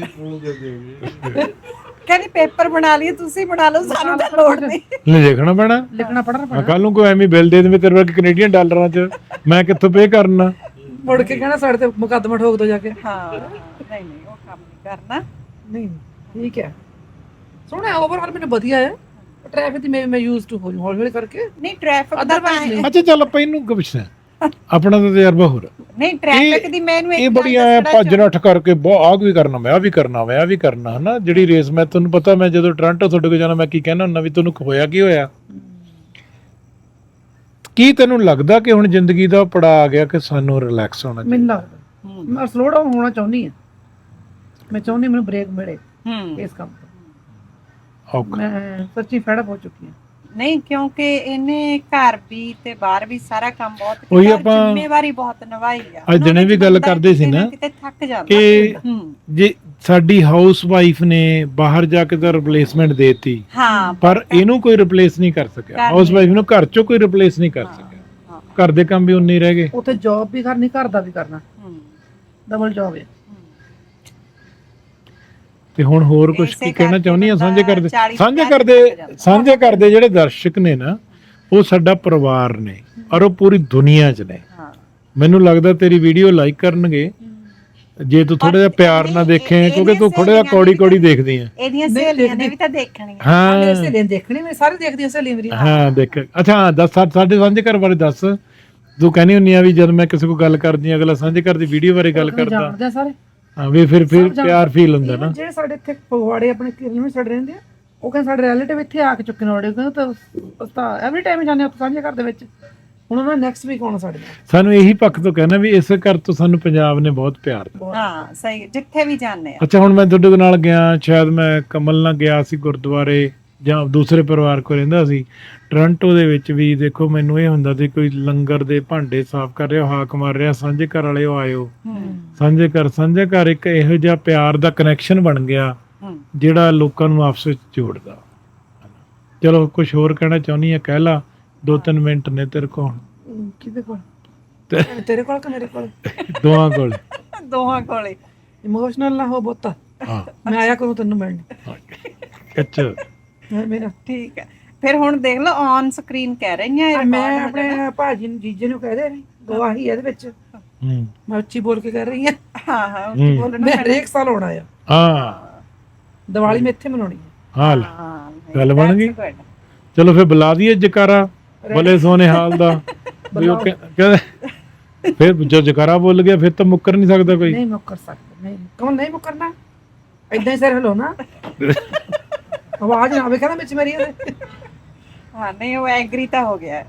[SPEAKER 2] ਕਹਿੰਦੀ ਪੇਪਰ ਬਣਾ ਲਈਏ, ਤੁਸੀਂ ਬਣਾ ਲਓ, ਸਾਨੂੰ ਤਾਂ ਲੋੜ ਨਹੀਂ।
[SPEAKER 1] ਲੈ ਦੇਖਣਾ ਪੈਣਾ,
[SPEAKER 3] ਲਿਖਣਾ ਪੜਨਾ ਪੈਣਾ।
[SPEAKER 1] ਕੱਲ ਨੂੰ ਕੋਈ ਐਵੇਂ ਬਿੱਲ ਦੇ ਦੇਵੇ ਤੇਰੇ ਵਰਗੇ ਕੈਨੇਡੀਅਨ ਡਾਲਰਾਂ 'ਚ, ਮੈਂ ਕਿੱਥੋਂ ਪੇ ਕਰਨਾ?
[SPEAKER 3] ਮੁੜ ਕੇ ਕਹਿਣਾ ਸਾਡੇ ਤੇ ਮੁਕੱਦਮਾ ਠੋਕ ਦੋ ਜਾ ਕੇ।
[SPEAKER 2] ਹਾਂ, ਨਹੀਂ ਨਹੀਂ ਉਹ ਕੰਮ ਨਹੀਂ ਕਰਨਾ।
[SPEAKER 3] ਨਹੀਂ ਠੀਕ ਹੈ, ਸੋਹਣਾ ਓਵਰਆਲ ਮੈਨੂੰ ਵਧੀਆ ਹੈ। ਟ੍ਰੈਫਿਕ ਦੀ ਮੈਂ ਮੈਂ ਯੂਜ਼ ਟੂ ਹੋ ਜੂ ਹੌਲੀ ਹੌਲੀ ਕਰਕੇ।
[SPEAKER 2] ਨਹੀਂ ਟ੍ਰੈਫਿਕ ਦਾ
[SPEAKER 3] Otherwise ਨਹੀਂ।
[SPEAKER 1] ਅੱਛਾ ਚੱਲ ਆਪਾਂ ਇਹਨੂੰ ਕੀ ਪੁੱਛਣਾ, ਆਪਣਾ ਤਾਂ ਤਜਰਬਾ ਹੋਰ ਆ।
[SPEAKER 2] ਨਹੀਂ ਟ੍ਰੈਫਿਕ ਦੀ ਮੈਨੂੰ
[SPEAKER 1] ਇਹ ਬੜੀ ਐ ਭੱਜ ਨੱਠ ਕਰਕੇ ਬਹੁਤ ਆਹ ਵੀ ਕਰਨਾ, ਮੈਂ ਆ ਵੀ ਕਰਨਾ, ਮੈਂ ਆ ਵੀ ਕਰਨਾ, ਹਨਾ। ਜਿਹੜੀ ਰੇਸ ਮੈਂ ਤੁਹਾਨੂੰ ਪਤਾ, ਮੈਂ ਜਦੋਂ ਟੋਰਾਂਟੋ ਤੁਹਾਡੇ ਕੋਲ ਜਾਣਾ ਮੈਂ ਕੀ ਕਹਿਣਾ ਹੁੰਦਾ ਵੀ ਤੁਹਾਨੂੰ ਹੋਇਆ ਕੀ ਹੋਇਆ। ਕੀ ਤੈਨੂੰ ਲੱਗਦਾ ਕਿ ਹੁਣ ਜ਼ਿੰਦਗੀ ਦਾ ਪੜਾ ਆ ਗਿਆ ਕਿ ਸਾਨੂੰ ਰਿਲੈਕਸ ਹੋਣਾ
[SPEAKER 3] ਮੈਨੂੰ
[SPEAKER 1] ਚਾਹੀਦਾ?
[SPEAKER 3] ਲੱਗਦਾ ਮੈਂ ਸਲੋ ਡਾਊਨ ਹੋਣਾ ਚਾਹੁੰਦੀ ਹਾਂ। ਮੈਂ ਚਾਹੁੰਦੀ ਮੈਨੂੰ ਬ੍ਰੇਕ ਮਿਲੇ
[SPEAKER 2] ਹੂੰ
[SPEAKER 3] ਇਸ ਕੰਮ ਤੋਂ।
[SPEAKER 1] ਔਖਾ।
[SPEAKER 3] ਮੈਂ ਸੱਚੀ ਫੈਡ ਹੋ ਚੁੱਕੀ ਹਾਂ।
[SPEAKER 2] ਨਹੀਂ ਕਿਉਂਕਿ ਇਹਨੇ ਘਰ ਵੀ ਤੇ ਬਾਹਰ ਵੀ ਸਾਰਾ ਕੰਮ ਬਹੁਤ
[SPEAKER 1] ਉਹੀ
[SPEAKER 2] ਕੀਤਾ,
[SPEAKER 1] ਆਪਾਂ
[SPEAKER 2] ਜ਼ਿੰਮੇਵਾਰੀ ਬਹੁਤ ਨਿਭਾਈ ਆ।
[SPEAKER 1] ਅੱਜ ਦਿਨੇ ਵੀ ਗੱਲ ਕਰਦੇ ਸੀ ਨਾ
[SPEAKER 2] ਕਿਤੇ ਥੱਕ ਜਾਂਦਾ
[SPEAKER 1] ਕਿ
[SPEAKER 2] ਹੂੰ
[SPEAKER 1] ਜੇ ਸਾਡੀ ਹਾਊਸ ਵਾਈਫ ਨੇ ਬਾਹਰ ਜਾ ਕੇ ਤਾਂ ਰਿਪਲੇਸਮੈਂਟ ਦੇਤੀ,
[SPEAKER 2] ਹਾਂ
[SPEAKER 1] ਪਰ ਇਹਨੂੰ ਕੋਈ ਰਿਪਲੇਸ ਨਹੀਂ ਕਰ ਸਕਿਆ।
[SPEAKER 2] ਕਰ
[SPEAKER 1] ਹਾਊਸ ਵਾਈਫ ਨੂੰ ਘਰ ਚੋਂ ਕੋਈ ਰਿਪਲੇਸ ਨਹੀਂ ਕਰ ਸਕਿਆ। ਘਰ ਦੇ ਕੰਮ ਵੀ ਉਨੇ ਹੀ ਰਹਿ ਗਏ।
[SPEAKER 3] ਉੱਥੇ ਜੌਬ ਵੀ ਕਰਨੀ, ਘਰ ਦਾ ਵੀ ਕਰਨਾ,
[SPEAKER 2] ਹੂੰ
[SPEAKER 3] ਡਬਲ ਜੌਬ ਹੈ।
[SPEAKER 1] ਤੇ ਹੁਣ ਹੋਰ ਕੁਝ
[SPEAKER 2] ਇਸੇ
[SPEAKER 1] ਕੀ ਕਹਿਣਾ
[SPEAKER 2] ਕਰਕੇ
[SPEAKER 1] ਚਾਹੁੰਦੀ ਆ ਸਾਂਝੇ ਕਰਦੇ
[SPEAKER 2] ਚਾਲੀ
[SPEAKER 1] ਸਾਂਝੇ
[SPEAKER 2] ਪੰਜਾਹ
[SPEAKER 1] ਕਰਦੇ
[SPEAKER 2] ਤੱਕ ਜਾਂਦਾ।
[SPEAKER 1] ਸਾਂਝੇ ਕਰਦੇ ਜਿਹੜੇ ਦਰਸ਼ਕ ਨੇ ਨਾ, ਉਹ ਸਾਡਾ ਪਰਿਵਾਰ ਨੇ ਔਰ ਉਹ ਪੂਰੀ ਦੁਨੀਆ 'ਚ ਨੇ।
[SPEAKER 2] ਹਾਂ
[SPEAKER 1] ਮੈਨੂੰ ਲੱਗਦਾ ਤੇਰੀ ਵੀਡੀਓ ਲਾਈਕ ਕਰਨਗੇ ਜੇ ਤੂੰ ਥੋੜਾ ਜਿਹਾ ਪਿਆਰ ਨਾਲ ਦੇਖੇ, ਕਿਉਂਕਿ ਤੂੰ ਥੋੜਾ ਜਿਹਾ ਕੌੜੀ ਕੌੜੀ ਦੇਖਦੀ ਆ।
[SPEAKER 2] ਇਹਦੀਆਂ ਸਹੇਲੀਆਂ ਨੇ ਵੀ ਤਾਂ ਦੇਖਣੀਆਂ।
[SPEAKER 1] ਹਾਂ
[SPEAKER 3] ਮੇਰੇ ਸਹੇਲੀਆਂ ਦੇਖਣੀ, ਮੈਂ ਸਾਰੇ ਦੇਖਦੀ ਹਾਂ ਸਹੇਲੀਆਂ ਮੇਰੀ।
[SPEAKER 1] ਹਾਂ ਦੇਖ। ਅੱਛਾ ਹਾਂ, ਦੱਸ ਸਾ- ਸਾਡੇ ਸਾਂਝੇ ਘਰ ਬਾਰੇ ਦੱਸ। ਤੂੰ ਕਹਿੰਦੀ ਹੁੰਨੀ ਆ ਵੀ ਜਦ ਮੈਂ ਕਿਸੇ ਕੋਲ ਗੱਲ ਕਰਦੀ ਆ ਅਗਲਾ ਸਾਂਝੇ ਘਰ ਦੀ ਵੀਡੀਓ ਬਾਰੇ ਗੱਲ ਕਰਦਾ,
[SPEAKER 3] ਜਾਣਦੇ ਆ ਸਾਰੇ।
[SPEAKER 1] ਹਾਂ ਵੀ ਫਿਰ ਫਿਰ ਪਿਆਰ ਫੀਲ ਹੁੰਦਾ ਨਾ।
[SPEAKER 3] ਜਿਹੜੇ ਸਾਡੇ ਇੱਥੇ ਫਗਵਾੜੇ ਆਪਣੇ ਕਿਰਨ ਵਿੱਚ ਸਾਡੇ ਰਹਿੰਦੇ ਆ, ਉਹ ਕਹਿੰਦੇ ਸਾਡੇ ਰਿਲੇਟਿਵ ਇੱਥੇ ਆ ਕੇ ਚੁੱਕੇ ਨੇ ਔੜੇ, ਕਹਿੰਦੇ ਤਾਂ ਉਸਤਾ ਐਵਰੀ ਟਾਈਮ ਜਾਂਦੇ ਉੱਥੇ ਸਾਂਝੇ ਘਰ ਦੇ ਵਿੱਚ। ਹੁਣ ਉਹਨਾਂ ਨੈਕਸਟ ਵੀਕ ਆਉਣਾ ਸਾਡੇ ਨਾਲ।
[SPEAKER 1] ਸਾਨੂੰ ਇਹੀ ਪੱਖ ਤੋਂ ਕਹਿਣਾ ਵੀ ਇਸ ਘਰ ਤੋਂ ਸਾਨੂੰ ਪੰਜਾਬ ਨੇ ਬਹੁਤ ਪਿਆਰ ਦਿੱਤਾ।
[SPEAKER 2] ਹਾਂ ਸਹੀ, ਜਿੱਥੇ ਵੀ ਜਾਂਦੇ ਆ।
[SPEAKER 1] ਅੱਛਾ ਹੁਣ ਮੈਂ ਤੁਹਾਡੇ ਨਾਲ ਗਿਆ, ਸ਼ਾਇਦ ਮੈਂ ਕਮਲ ਨਾਲ ਗਿਆ ਸੀ ਗੁਰਦੁਆਰੇ ਜਾਂ ਦੂਸਰੇ ਪਰਿਵਾਰ ਕੋਲ ਰਹਿੰਦਾ ਸੀ ਟੋਰਾਂਟੋ ਦੇ ਵਿੱਚ ਵੀ। ਦੇਖੋ ਮੈਨੂੰ ਇਹ ਹੁੰਦਾ ਸੀ ਕੋਈ ਲੰਗਰ ਦੇ ਭਾਂਡੇ ਸਾਫ਼ ਕਰ ਰਿਹਾ, ਹਾਕ ਮਾਰ ਰਿਹਾ, ਸਾਂਝੇ ਘਰ ਵਾਲੇ ਉਹ ਆਇਓ। ਸਾਂਝੇ ਘਰ ਸਾਂਝੇ ਘਰ ਇੱਕ ਇਹੋ ਜਿਹਾ ਪਿਆਰ ਦਾ ਕਨੈਕਸ਼ਨ ਬਣ ਗਿਆ ਜਿਹੜਾ ਲੋਕਾਂ ਨੂੰ ਆਪਸ ਵਿੱਚ ਜੋੜਦਾ। ਚਲੋ ਕੁਝ ਹੋਰ ਕਹਿਣਾ ਚਾਹੁੰਦੀ ਆ, ਕਹਿ ਲਾ, ਦੋ ਤਿੰਨ ਮਿੰਟ ਨੇ ਤੇਰੇ ਕੋਲ।
[SPEAKER 3] ਕਿਹਦੇ ਕੋਲ? ਤੇਰੇ ਕੋਲ ਕਿ ਮੇਰੇ ਕੋਲ?
[SPEAKER 1] ਦੋਹਾਂ ਕੋਲ।
[SPEAKER 2] ਦੋਹਾਂ ਕੋਲੇ।
[SPEAKER 3] ਇਮੋਸ਼ਨਲ ਨਾ ਹੋ ਬਹੁਤਾ।
[SPEAKER 1] ਹਾਂ
[SPEAKER 3] ਮੈਂ ਆਇਆ ਕਰੂੰ ਤੈਨੂੰ ਮਿਲਣ।
[SPEAKER 1] ਅੱਛਾ
[SPEAKER 3] ਮੇਰਾ
[SPEAKER 2] ਠੀਕ ਹੈ। ਫਿਰ ਹੁਣ ਦੇਖ ਲਓ ਔਨ ਸਕਰੀਨ ਕਹਿ ਰਹੀਆਂ ਇਹ
[SPEAKER 3] ਮੈਂ
[SPEAKER 2] record ਹੋ
[SPEAKER 3] ਆਪਣੇ
[SPEAKER 2] ਜਾਣਾ।
[SPEAKER 3] ਭਾਜੀ ਨੂੰ ਜੀਜੇ ਨੂੰ ਕਹਿ ਦੇ ਰਹੀ ਗਵਾਹੀ ਇਹਦੇ ਵਿੱਚ।
[SPEAKER 1] ਹੂੰ
[SPEAKER 3] ਮੈਂ ਉੱਚੀ ਬੋਲ ਕੇ ਕਹਿ ਰਹੀ ਹਾਂ।
[SPEAKER 2] ਹਾਂ ਹਾਂ ਉੱਚੀ ਬੋਲਣਾ
[SPEAKER 3] ਮੈਂ ਹਰੇਕ ਸਾਲ ਆਉਣਾ ਆ।
[SPEAKER 1] ਹਾਂ
[SPEAKER 3] ਦੀਵਾਲੀ ਮੈਂ ਇੱਥੇ ਮਨਾਉਣੀ ਹੈ।
[SPEAKER 1] ਹਾਂ ਲੈ,
[SPEAKER 2] ਹਾਂ
[SPEAKER 1] ਗੱਲ ਬਣ ਗਈ।
[SPEAKER 2] that's good।
[SPEAKER 1] ਚਲੋ ਫਿਰ ਬੁਲਾ ਦਈਏ ਜਕਾਰਾ ਬਲੇ ਸੋਨੇ ਹਾਲ ਦਾ। ਵੀ ਉਹ ਕਹਿ- ਕਹਿੰਦੇ ਫਿਰ ਜੋ ਜਕਾਰਾ ਬੋਲ ਗਿਆ ਫਿਰ ਤਾਂ ਮੁੱਕਰ ਨਹੀਂ ਸਕਦਾ ਕੋਈ।
[SPEAKER 3] ਨਹੀਂ ਮੁੱਕਰ ਸਕਦਾ, ਨਹੀਂ ਕੌਣ ਨਹੀਂ ਮੁੱਕਰਨਾ। ਏਦਾਂ ਹੀ ਸਿਰ ਹਿਲਾਉਣਾ, ਆਵਾਜ਼ ਨਾ ਆਵੇ ਕਹਿੰਦਾ ਵਿੱਚ ਮੇਰੀ ਇਹਦੇ।
[SPEAKER 2] ਹਾਂ ਨਹੀਂ ਉਹ ਐਗਰੀ ਤਾਂ ਹੋ ਗਿਆ ਹੈ।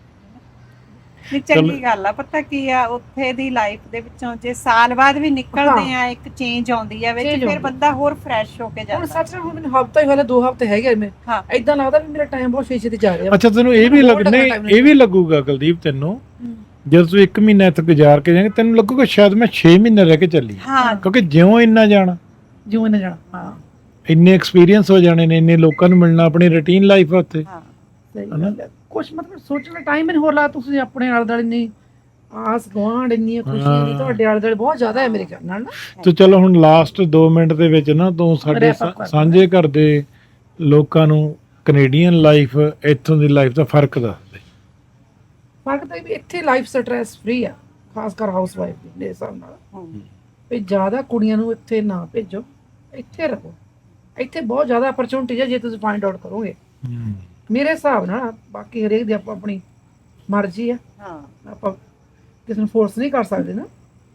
[SPEAKER 2] ਨਹੀਂ ਚੰਗੀ ਗੱਲ ਆ। ਪਤਾ ਕੀ ਆ, ਉੱਥੇ ਦੀ ਲਾਈਫ ਦੇ ਵਿੱਚੋਂ ਜੇ ਸਾਲ ਬਾਅਦ ਵੀ ਨਿਕਲਦੇ ਆ ਇੱਕ ਚੇਂਜ ਆਉਂਦੀ ਆ ਵਿੱਚ,
[SPEAKER 3] Change
[SPEAKER 2] ਫਿਰ
[SPEAKER 3] ਆਉਂਦੀ।
[SPEAKER 2] ਬੰਦਾ ਹੋਰ ਫਰੈਸ਼ ਹੋ ਕੇ
[SPEAKER 3] ਹੁਣ
[SPEAKER 2] ਜਾਂਦਾ।
[SPEAKER 3] ਸੱਚ ਹੁਣ ਮੈਨੂੰ ਹਫਤਾ ਹੀ ਹੋਇਆ, ਦੋ ਹਫਤੇ ਹੈਗੇ ਮੈਂ।
[SPEAKER 2] ਹਾਂ
[SPEAKER 3] ਏਦਾਂ ਲੱਗਦਾ ਵੀ ਮੇਰਾ ਟਾਈਮ ਬਹੁਤ ਛੇਤੀ ਜਾ ਰਿਹਾ।
[SPEAKER 1] ਅੱਛਾ ਤੈਨੂੰ ਇਹ ਵੀ
[SPEAKER 3] ਬਹੁਤ
[SPEAKER 1] ਲੱਗ ਨਹੀਂ
[SPEAKER 3] time
[SPEAKER 1] ਇਹ ਵੀ ਲੱਗੂਗਾ ਕੁਲਦੀਪ ਤੈਨੂੰ ਜਦੋਂ ਤੂੰ ਇੱਕ ਮਹੀਨਾ ਇੱਥੇ ਗੁਜ਼ਾਰ ਕੇ ਜਾਏਂਗਾ ਤੈਨੂੰ ਲੱਗੂਗਾ ਸ਼ਾਇਦ ਮੈਂ ਛੇ ਮਹੀਨੇ ਰਹਿ ਕੇ ਚੱਲੀ,
[SPEAKER 2] ਹਾਂ
[SPEAKER 1] ਕਿਉਂਕਿ ਜਿਉਂ ਇੰਨਾ ਜਾਣਾ,
[SPEAKER 3] ਜਿਉਂ ਨਾ ਜਾਣਾ। ਹਾਂ
[SPEAKER 1] ਇੰਨੇ ਐਕਸਪੀਰੀਅੰਸ ਹੋ ਜਾਣੇ ਨੇ, ਇੰਨੇ ਲੋਕਾਂ ਨੂੰ ਮਿਲਣਾ, ਆਪਣੀ ਰੁਟੀਨ ਲਾਈਫ ਆ ਉੱਥੇ।
[SPEAKER 2] ਹਾਂ
[SPEAKER 3] ਸਹੀ ਗੱਲ ਹੈ। ਕੁਛ ਮਤਲਬ ਸੋਚਣ ਟਾਈਮ ਹੀ ਨਹੀਂ ਹੋਰ ਲਾ। ਤੁਸੀਂ ਆਪਣੇ ਆਲੇ ਦੁਆਲੇ ਨਹੀਂ ਆਸ ਗੁਆਂਢ ਇੰਨੀਆਂ ਖੁਸ਼ੀਆਂ ਦੀ ਤੁਹਾਡੇ ਆਲੇ ਦੁਆਲੇ ਬਹੁਤ ਜ਼ਿਆਦਾ ਹੈ ਮੇਰੇ ਖਿਆਲ ਨਾਲ ਨਾ।
[SPEAKER 1] ਤੂੰ ਚਲੋ ਹੁਣ ਲਾਸਟ ਦੋ ਮਿੰਟ ਦੇ ਵਿੱਚ ਨਾ ਤੂੰ ਸਾਡੇ
[SPEAKER 3] Wrap up ਕਰ।
[SPEAKER 1] ਸਾਂਝੇ ਘਰ ਦੇ ਲੋਕਾਂ ਨੂੰ ਕੈਨੇਡੀਅਨ ਲਾਈਫ ਇੱਥੋਂ ਦੀ ਲਾਈਫ ਦਾ ਫਰਕ ਦੱਸ ਦੇ।
[SPEAKER 3] ਫਰਕ ਤਾਂ ਇਹ ਵੀ ਇੱਥੇ ਲਾਈਫ ਸਟ੍ਰੈਸ ਫ੍ਰੀ ਆ, ਖਾਸ ਕਰ ਹਾਊਸ ਵਾਈਫ ਦੀ ਮੇਰੇ ਹਿਸਾਬ ਨਾਲ।
[SPEAKER 2] ਹਮ,
[SPEAKER 3] ਵੀ ਜ਼ਿਆਦਾ ਕੁੜੀਆਂ ਨੂੰ ਇੱਥੇ ਨਾ ਭੇਜੋ, ਇੱਥੇ ਰਹੋ। ਇੱਥੇ ਬਹੁਤ ਜ਼ਿਆਦਾ ਅਪਰਚੁਨਿਟੀ ਹੈ ਜੇ ਤੁਸੀਂ ਫਾਈਂਡ ਆਊਟ ਕਰੋਗੇ ਮੇਰੇ ਹਿਸਾਬ ਨਾਲ। ਬਾਕੀ ਹਰੇਕ ਦੀ ਆਪੋ ਆਪਣੀ ਮਰਜ਼ੀ ਆ,
[SPEAKER 2] ਹਾਂ
[SPEAKER 3] ਆਪਾਂ ਕਿਸੇ ਨੂੰ ਫੋਰਸ ਨਹੀਂ ਕਰ ਸਕਦੇ ਨਾ।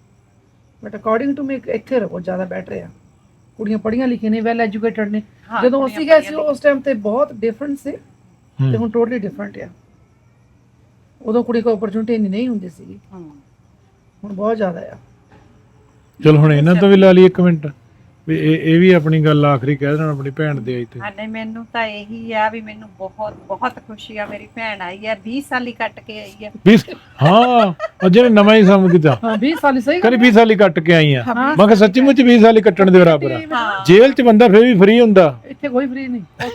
[SPEAKER 3] ਬਟ ਅਕੋਰਡਿੰਗ ਟੂ ਮੀ ਇੱਥੇ ਰਹੋ ਜ਼ਿਆਦਾ ਬੈਟਰ ਆ। ਕੁੜੀਆਂ ਪੜ੍ਹੀਆਂ ਲਿਖੀਆਂ ਨੇ, ਵੈਲ ਐਜੂਕੇਟਡ ਨੇ।
[SPEAKER 2] ਹਾਂ,
[SPEAKER 3] ਜਦੋਂ
[SPEAKER 2] ਕੁੜੀਆਂ
[SPEAKER 3] ਅਸੀਂ ਗਏ ਸੀ
[SPEAKER 2] ਪੜ੍ਹੀਆਂ
[SPEAKER 3] ਉਸ ਟਾਈਮ ਤੇ ਬਹੁਤ ਡਿਫਰੈਂਟ ਸੀ
[SPEAKER 1] ਹੂੰ।
[SPEAKER 3] ਤੇ ਹੁਣ ਟੋਟਲੀ ਡਿਫਰੈਂਟ ਆ। ਉਦੋਂ ਕੁੜੀ ਕੋਲ ਓਪਰਚੁਨਿਟੀ ਇੰਨੀ ਨਹੀਂ ਹੁੰਦੀ ਸੀ,
[SPEAKER 2] ਹੂੰ।
[SPEAKER 3] ਹੁਣ ਬਹੁਤ ਜ਼ਿਆਦਾ ਆ।
[SPEAKER 1] ਚਲ ਹੁਣ ਇਹਨਾਂ ਤੋਂ ਵੀ ਲਾ ਲਈ ਇੱਕ ਮਿੰਟ ਵੀ ਇਹ ਇਹ ਵੀ ਆਪਣੀ ਗੱਲ ਆਖਰੀ ਕਹਿ ਦੇਣ ਆਪਣੀ ਭੈਣ ਦੇ ਆਈ ਤੇ।
[SPEAKER 2] ਹਾਂ ਨਹੀਂ, ਮੈਨੂੰ ਤਾਂ ਇਹੀ ਆ ਵੀ ਮੈਨੂੰ ਬਹੁਤ ਬਹੁਤ ਖੁਸ਼ੀ ਆ, ਮੇਰੀ ਭੈਣ ਆਈ ਆ, ਵੀਹ ਸਾਲ ਹੀ ਕੱਟ ਕੇ ਆਈ ਆ।
[SPEAKER 1] ਵੀਹ ਹਾਂ ਅਜੇ ਨੇ ਨਵਾਂ ਹੀ ਸਮਝ ਕੀਤਾ
[SPEAKER 3] ਹਾਂ ਵੀਹ ਸਾਲ ਹੀ ਸਹੀ
[SPEAKER 1] ਕਹਿੰਦੀ ਵੀਹ ਸਾਲ ਹੀ ਕੱਟ ਕੇ ਆਈ ਆ।
[SPEAKER 3] ਹਾਂ।
[SPEAKER 1] ਮੈਂ ਕਿਹਾ ਸੱਚੀ ਮੁੱਚ ਵੀਹ ਸਾਲ ਹੀ ਕੱਟਣ ਦੇ ਬਰਾਬਰ ਆ।
[SPEAKER 2] ਹਾਂ।
[SPEAKER 1] ਜੇਲ੍ਹ 'ਚ ਬੰਦਾ ਫਿਰ ਵੀ ਫ੍ਰੀ ਹੁੰਦਾ,
[SPEAKER 3] ਇੱਥੇ ਕੋਈ ਫ੍ਰੀ ਨਹੀਂ।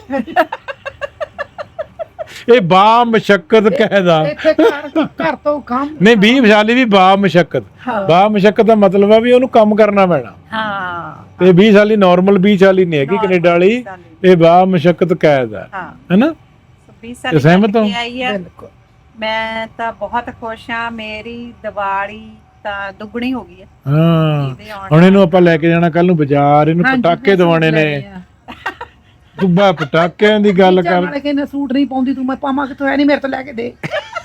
[SPEAKER 1] ਇਹ ਬਾ ਮਸ਼ੱਕਤ ਕਹਿਦਾ।
[SPEAKER 3] ਇੱਥੇ ਘਰ ਘਰ ਤੋਂ ਕੰਮ
[SPEAKER 1] ਨਹੀਂ ਵੀਹ ਸਾਲ ਵੀ ਬਾ ਮਸ਼ੱਕਤ।
[SPEAKER 3] ਹਾਂ।
[SPEAKER 1] ਬਾ ਮਸ਼ੱਕਤ ਦਾ ਮਤਲਬ ਆ ਵੀ ਉਹਨੂੰ ਕੰਮ ਕਰਨਾ ਪੈਣਾ।
[SPEAKER 2] ਹਾਂ
[SPEAKER 1] ਤੇ ਵੀਹ ਸਾਲੀ ਨਾਰਮਲ ਵੀਹ ਸਾਲੀ ਨਹੀਂ ਹੈਗੀ ਕੈਨੇਡਾ ਵਾਲੀ,
[SPEAKER 2] ਵੀਹ ਸਾਲੀ।
[SPEAKER 1] ਇਹ ਬਾ ਮਸ਼ੱਕਤ ਕੈਦ ਆ,
[SPEAKER 2] ਹਾਂ
[SPEAKER 1] ਹੈਨਾ?
[SPEAKER 2] ਵੀਹ ਸਾਲ ਹੀ
[SPEAKER 1] ਸਹਿਮਤ
[SPEAKER 2] ਕੱਟ
[SPEAKER 1] ਹੋ?
[SPEAKER 2] ਕੇ ਆਈ ਆ।
[SPEAKER 3] ਬਿਲਕੁਲ।
[SPEAKER 2] ਮੈਂ ਤਾਂ ਬਹੁਤ ਖੁਸ਼ ਆ, ਮੇਰੀ ਦੀਵਾਲੀ ਤਾਂ ਦੁੱਗਣੀ ਹੋ ਗਈ ਆ
[SPEAKER 1] ਹਾਂ
[SPEAKER 2] ਇਹਦੇ ਆਉਣ
[SPEAKER 1] ਹੁਣ ਇਹਨੂੰ ਆਪਾਂ ਲੈ ਕੇ ਜਾਣਾ ਕੱਲ ਨੂੰ ਬਾਜ਼ਾਰ, ਇਹਨੂੰ
[SPEAKER 3] ਹਾਂਜੀ,
[SPEAKER 1] ਪਟਾਕੇ
[SPEAKER 3] ਮੈਂ ਸੂਟ
[SPEAKER 1] ਦਵਾਉਣੇ
[SPEAKER 3] ਲੈ
[SPEAKER 1] ਨੇ।
[SPEAKER 3] ਲਈ ਆ।
[SPEAKER 1] ਤੂੰ ਬਾ ਪਟਾਕਿਆਂ ਦੀ ਗੱਲ ਕਰ।
[SPEAKER 3] ਨਾਲੇ ਕਹਿੰਦੇ ਸੂਟ ਨਹੀਂ ਪਾਉਂਦੀ ਤੂੰ, ਮੈਂ ਪਾਵਾਂ ਕਿਥੋਂ? ਹੈ ਨਹੀਂ ਮੇਰੇ ਤੋਂ ਲੈ ਕੇ ਦੇ।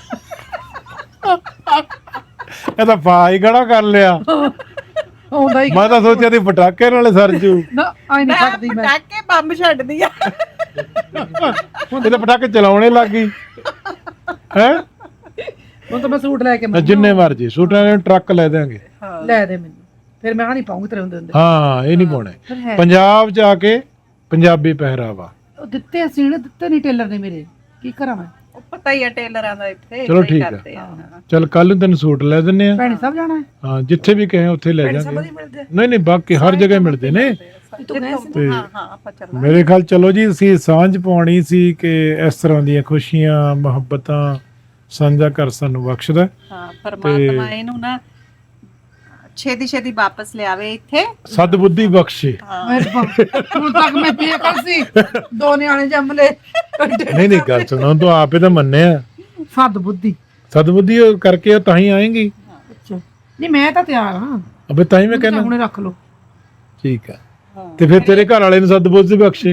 [SPEAKER 1] ਇਹ ਤਾਂ ਫਾਈ ਖੜਾ ਕਰ ਲਿਆ।
[SPEAKER 3] ਆਉਂਦਾ ਹੀ
[SPEAKER 1] ਮੈਂ ਤਾਂ ਸੋਚਿਆ ਦੀ ਪਟਾਕੇ ਨਾਲੇ ਸਰਜੂ।
[SPEAKER 3] ਨਾ ਆਈ ਨਹੀਂ ਛੱਡਦੀ ਮੈਂ।
[SPEAKER 2] ਪਟਾਕੇ ਬੰਬ ਛੱਡਦੀ ਆ।
[SPEAKER 1] ਇਹ ਤਾਂ ਪਟਾਕੇ ਚਲਾਉਣੇ ਲੱਗ ਗਈ ਹੈ।
[SPEAKER 3] ਹੁਣ ਤਾਂ ਮੈਂ ਸੂਟ ਲੈ ਕੇ ਮੈਂ
[SPEAKER 1] ਜਿੰਨੇ ਮਰਜੀ ਸੂਟਾਂ ਦੇ ਟਰੱਕ ਲੈ ਦੇਾਂਗੇ।
[SPEAKER 3] ਲੈ ਦੇ ਮੈਨੂੰ, ਫਿਰ ਮੈਂ ਆ ਨਹੀਂ ਪਾਉਂਗੀ ਤੇਰੇ ਹੁੰਦੇ ਹੁੰਦੇ।
[SPEAKER 1] ਹਾਂ ਇਹ ਨਹੀਂ ਪਾਉਣੇ।
[SPEAKER 3] ਫਿਰ ਹੈ
[SPEAKER 1] ਪੰਜਾਬ ਜਾ ਕੇ ਪੰਜਾਬੀ ਪਹਿਰਾਵਾ।
[SPEAKER 3] ਉਹ ਦਿੱਤੇ ਅਸੀਂ ਨੇ, ਦਿੱਤੇ ਨਹੀਂ ਟੇਲਰ ਨੇ ਮੇਰੇ, ਕੀ ਕਰਾਂ ਮੈਂ?
[SPEAKER 2] ਉਹ ਪਤਾ ਹੀ ਆ ਟੇਲਰਾਂ ਦਾ ਇੱਥੇ
[SPEAKER 1] ਚਲੋ
[SPEAKER 2] ਏਦਾਂ ਹੀ
[SPEAKER 1] ਠੀਕ ਆ।
[SPEAKER 2] ਕਰਦੇ ਆ।
[SPEAKER 1] ਚਲ ਕੱਲ ਨੂੰ ਤੈਨੂੰ ਸੂਟ ਲੈ ਦਿੰਨੇ ਆ।
[SPEAKER 3] ਭੈਣੀ ਸਭ ਜਾਣਾ ਹੈ?
[SPEAKER 1] ਹਾਂ ਜਿੱਥੇ ਵੀ ਕਹੇ ਉੱਥੇ ਲੈ
[SPEAKER 3] ਭੈਣੀ
[SPEAKER 1] ਜਾਾਂਗੇ।
[SPEAKER 3] ਸਭ ਹੀ ਮਿਲਦੇ ਆ।
[SPEAKER 1] ਨਹੀਂ ਨਹੀਂ ਬਾਕੀ ਹਰ ਜਗ੍ਹਾ ਮਿਲਦੇ ਨੇ।
[SPEAKER 3] ਤੂੰ ਗਏ ਸੀ?
[SPEAKER 1] ਤੇ
[SPEAKER 2] ਹਾਂ ਹਾਂ ਆਪਾਂ ਚੱਲਾਂਗੇ।
[SPEAKER 1] ਮੇਰੇ ਖਿਆਲ ਚਲੋ ਜੀ ਅਸੀਂ ਸਾਂਝ ਪਾਉਣੀ ਸੀ ਕਿ ਇਸ ਤਰ੍ਹਾਂ ਦੀਆਂ ਖੁਸ਼ੀਆਂ ਮੁਹੱਬਤਾਂ ਸਾਂਝਾ ਕਰ ਸਾਨੂੰ ਬਖਸ਼ਦਾ।
[SPEAKER 2] ਹਾਂ ਪਰਮਾਤਮਾ ਇਹਨੂੰ ਨਾ ਛੇਤੀ ਛੇਤੀ ਵਾਪਸ ਲਿਆਵੇ ਇੱਥੇ।
[SPEAKER 1] ਸਦਬੁੱਧੀ ਬਖਸ਼ੇ।
[SPEAKER 2] ਹਾਂ
[SPEAKER 3] ਮੇਰੇ ਬਾਪ ਹੁਣ ਤੱਕ ਮੈਂ ਬੇਕਲ ਸੀ, ਦੋ ਨਿਆਣੇ ਜੰਮ ਲਏ।
[SPEAKER 1] ਨਹੀਂ ਨਹੀਂ ਗੱਲ ਸੁਣੋ ਤੂੰ ਆਪੇ ਤਾਂ ਮੰਨਿਆ
[SPEAKER 3] ਸੱਦ ਬੁੱਧੀ।
[SPEAKER 1] ਸਦਬੁੱਧੀ ਉਹ ਕਰਕੇ ਉਹ ਤਾਂ ਹੀ ਆਏਗੀ।
[SPEAKER 3] ਅੱਛਾ ਨਹੀਂ ਮੈਂ ਤਾਂ ਤਿਆਰ ਹਾਂ,
[SPEAKER 1] ਅਬੇ ਤਾਂ ਹੀ ਮੈਂ ਕਹਿੰਦਾ
[SPEAKER 3] ਹੁਣੇ ਰੱਖ ਲਓ।
[SPEAKER 1] ਠੀਕ ਆ। ਤੇ ਫਿਰ ਤੇਰੇ ਘਰ ਵਾਲੇ ਨੂੰ ਸਦਬੁੱਧੀ ਬਖਸ਼ੇ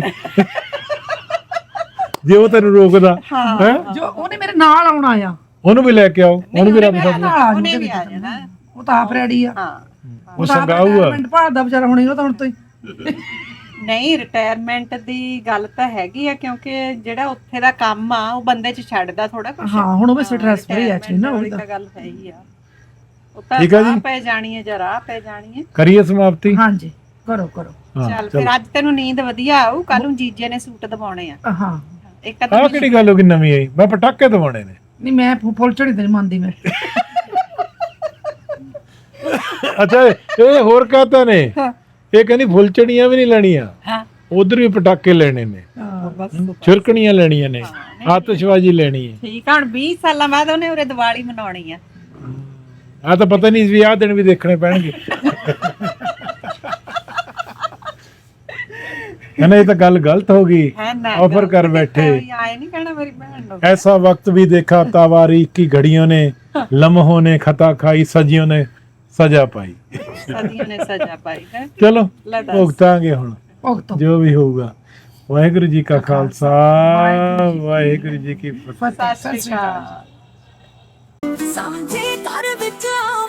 [SPEAKER 1] ਜੇ ਉਹ ਤੈਨੂੰ ਰੋਕਦਾ ਹੈ।
[SPEAKER 3] ਜੋ ਉਹਨੇ ਮੇਰੇ ਨਾਲ ਆਉਣਾ ਆ,
[SPEAKER 1] ਉਹਨੂੰ ਵੀ ਲੈ ਕੇ ਆਓ, ਉਹਨੂੰ ਵੀ ਰੱਬ
[SPEAKER 3] ਮੇਰੇ
[SPEAKER 1] ਸਦ।
[SPEAKER 3] ਨਾਲ ਆ
[SPEAKER 2] ਉਹਨੇ
[SPEAKER 3] ਜਾਊ
[SPEAKER 2] ਵੀ ਆ ਜਾਣਾ।
[SPEAKER 3] ਉਹ ਤਾਂ ਆਪ ਰੈਡੀ ਆ।
[SPEAKER 2] ਹਾਂ
[SPEAKER 1] ਉਹ ਸੰਗਾਊ ਆ।
[SPEAKER 3] ਮਿੰਟ ਭਾਲਦਾ ਵਿਚਾਰਾ ਹੁਣੇ, ਉਹ ਤਾਂ ਹੁਣ ਤੋਂ ਹੀ।
[SPEAKER 2] ਨਹੀਂ ਰਿਟਾਇਰਮੈਂਟ ਦੀ ਗੱਲ ਤਾਂ ਹੈਗੀ ਆ, ਕਿਉਂਕਿ ਜਿਹੜਾ ਉੱਥੇ ਦਾ ਕੰਮ ਆ ਉਹ ਬੰਦੇ 'ਚ ਛੱਡਦਾ ਥੋੜਾ ਕੁਝ।
[SPEAKER 3] ਹਾਂ ਹੁਣ ਉਹ ਵੀ ਸਟ੍ਰੈਸ ਫਰੀ ਆ ਐਕਚੁਅਲੀ ਨਾ ਉਹ
[SPEAKER 2] ਤਾਂ ਗੱਲ ਹੈ ਹੀ ਆ। ਉਹ ਤਾਂ
[SPEAKER 1] ਠੀਕ ਆ ਜੀ।
[SPEAKER 2] ਰਾਹ ਪੈ ਜਾਣੀ ਹੈ, ਜਰਾ ਪੈ ਜਾਣੀ ਹੈ।
[SPEAKER 1] ਕਰੀਏ ਸਮਾਪਤੀ।
[SPEAKER 3] ਹਾਂਜੀ ਕਰੋ ਕਰੋ।
[SPEAKER 1] ਹਾਂ
[SPEAKER 2] ਚੱਲ ਫਿਰ ਅੱਜ ਤੈਨੂੰ ਨੀਂਦ ਵਧੀਆ ਆਊ, ਕੱਲ ਨੂੰ ਜੀਜੇ ਨੇ ਸੂਟ ਦਵਾਉਣੇ ਆ।
[SPEAKER 3] ਹਾਂ
[SPEAKER 2] ਇੱਕ ਅੱਧਾ
[SPEAKER 1] ਆਹ ਕਿਹੜੀ ਗੱਲ ਹੋ ਗਈ ਨਵੀਂ ਆਈ? ਮੈਂ ਪਟਾਕੇ ਦਵਾਉਣੇ ਨੇ।
[SPEAKER 3] ਨਹੀਂ ਮੈਂ ਫੁ- ਫੁੱਲ ਝੜੀ ਤੇ ਨਹੀਂ ਮੰਨਦੀ ਮੈਂ।
[SPEAKER 1] ਅੱਛਾ ਇਹ ਹੋਰ ਕਹਤਾ ਨੇ, ਇਹ ਕਹਿੰਦੀ ਫੁੱਲਚੜੀਆਂ ਵੀ ਨਹੀਂ ਲੈਣੀਆਂ,
[SPEAKER 2] ਹਾਂ
[SPEAKER 1] ਉਧਰ ਵੀ ਪਟਾਕੇ ਲੈਣੇ ਨੇ,
[SPEAKER 3] ਹਾਂ
[SPEAKER 2] ਬਸ
[SPEAKER 1] ਛਿਰਕਣੀਆਂ ਲੈਣੀਆਂ ਨੇ, ਆਤਿਸ਼ਬਾਜ਼ੀ ਲੈਣੀ ਹੈ।
[SPEAKER 2] ਠੀਕ ਆ। ਹੁਣ ਵੀਹ ਸਾਲਾਂ ਬਾਅਦ ਉਹਨੇ ਉਰੇ ਦੀਵਾਲੀ ਮਨਾਉਣੀ ਆ।
[SPEAKER 1] ਆ ਤਾਂ ਪਤਾ ਨਹੀਂ ਵੀ ਆਹ ਦਿਨ ਵੀ ਦੇਖਣੇ ਪੈਣਗੇ। ਕਹਿੰਦਾ ਇਹ ਤਾਂ ਗੱਲ ਗਲਤ ਹੋ ਗਈ,
[SPEAKER 2] ਹੈ ਨਾ
[SPEAKER 1] ऑफर कर बैठे।
[SPEAKER 2] ਆਏ ਨਹੀਂ ਕਹਿਣਾ ਮੇਰੀ ਭੈਣ ਨੂੰ।
[SPEAKER 1] ऐसा वक्त भी देखा तावारीख की घड़ियों ने, लम्हों ने खता खाई, सजियों ने सजा पाई।
[SPEAKER 2] ਸਦੀਆਂ ਨੇ ਸਜ਼ਾ ਪਾਈ ਹੈ।
[SPEAKER 1] चलो
[SPEAKER 2] ਲੈ ਦੱਸ।
[SPEAKER 1] भुगतांगे हुण
[SPEAKER 3] ਭੁਗਤੋ।
[SPEAKER 1] जो भी होगा। वाहिगुरु जी का खालसा, वाहिगुरु जी की फतेह।
[SPEAKER 2] ਸਤਿ ਸ਼੍ਰੀ ਅਕਾਲ।
[SPEAKER 4] ਸਾਂਝੇ ਘਰ ਵਿੱਚ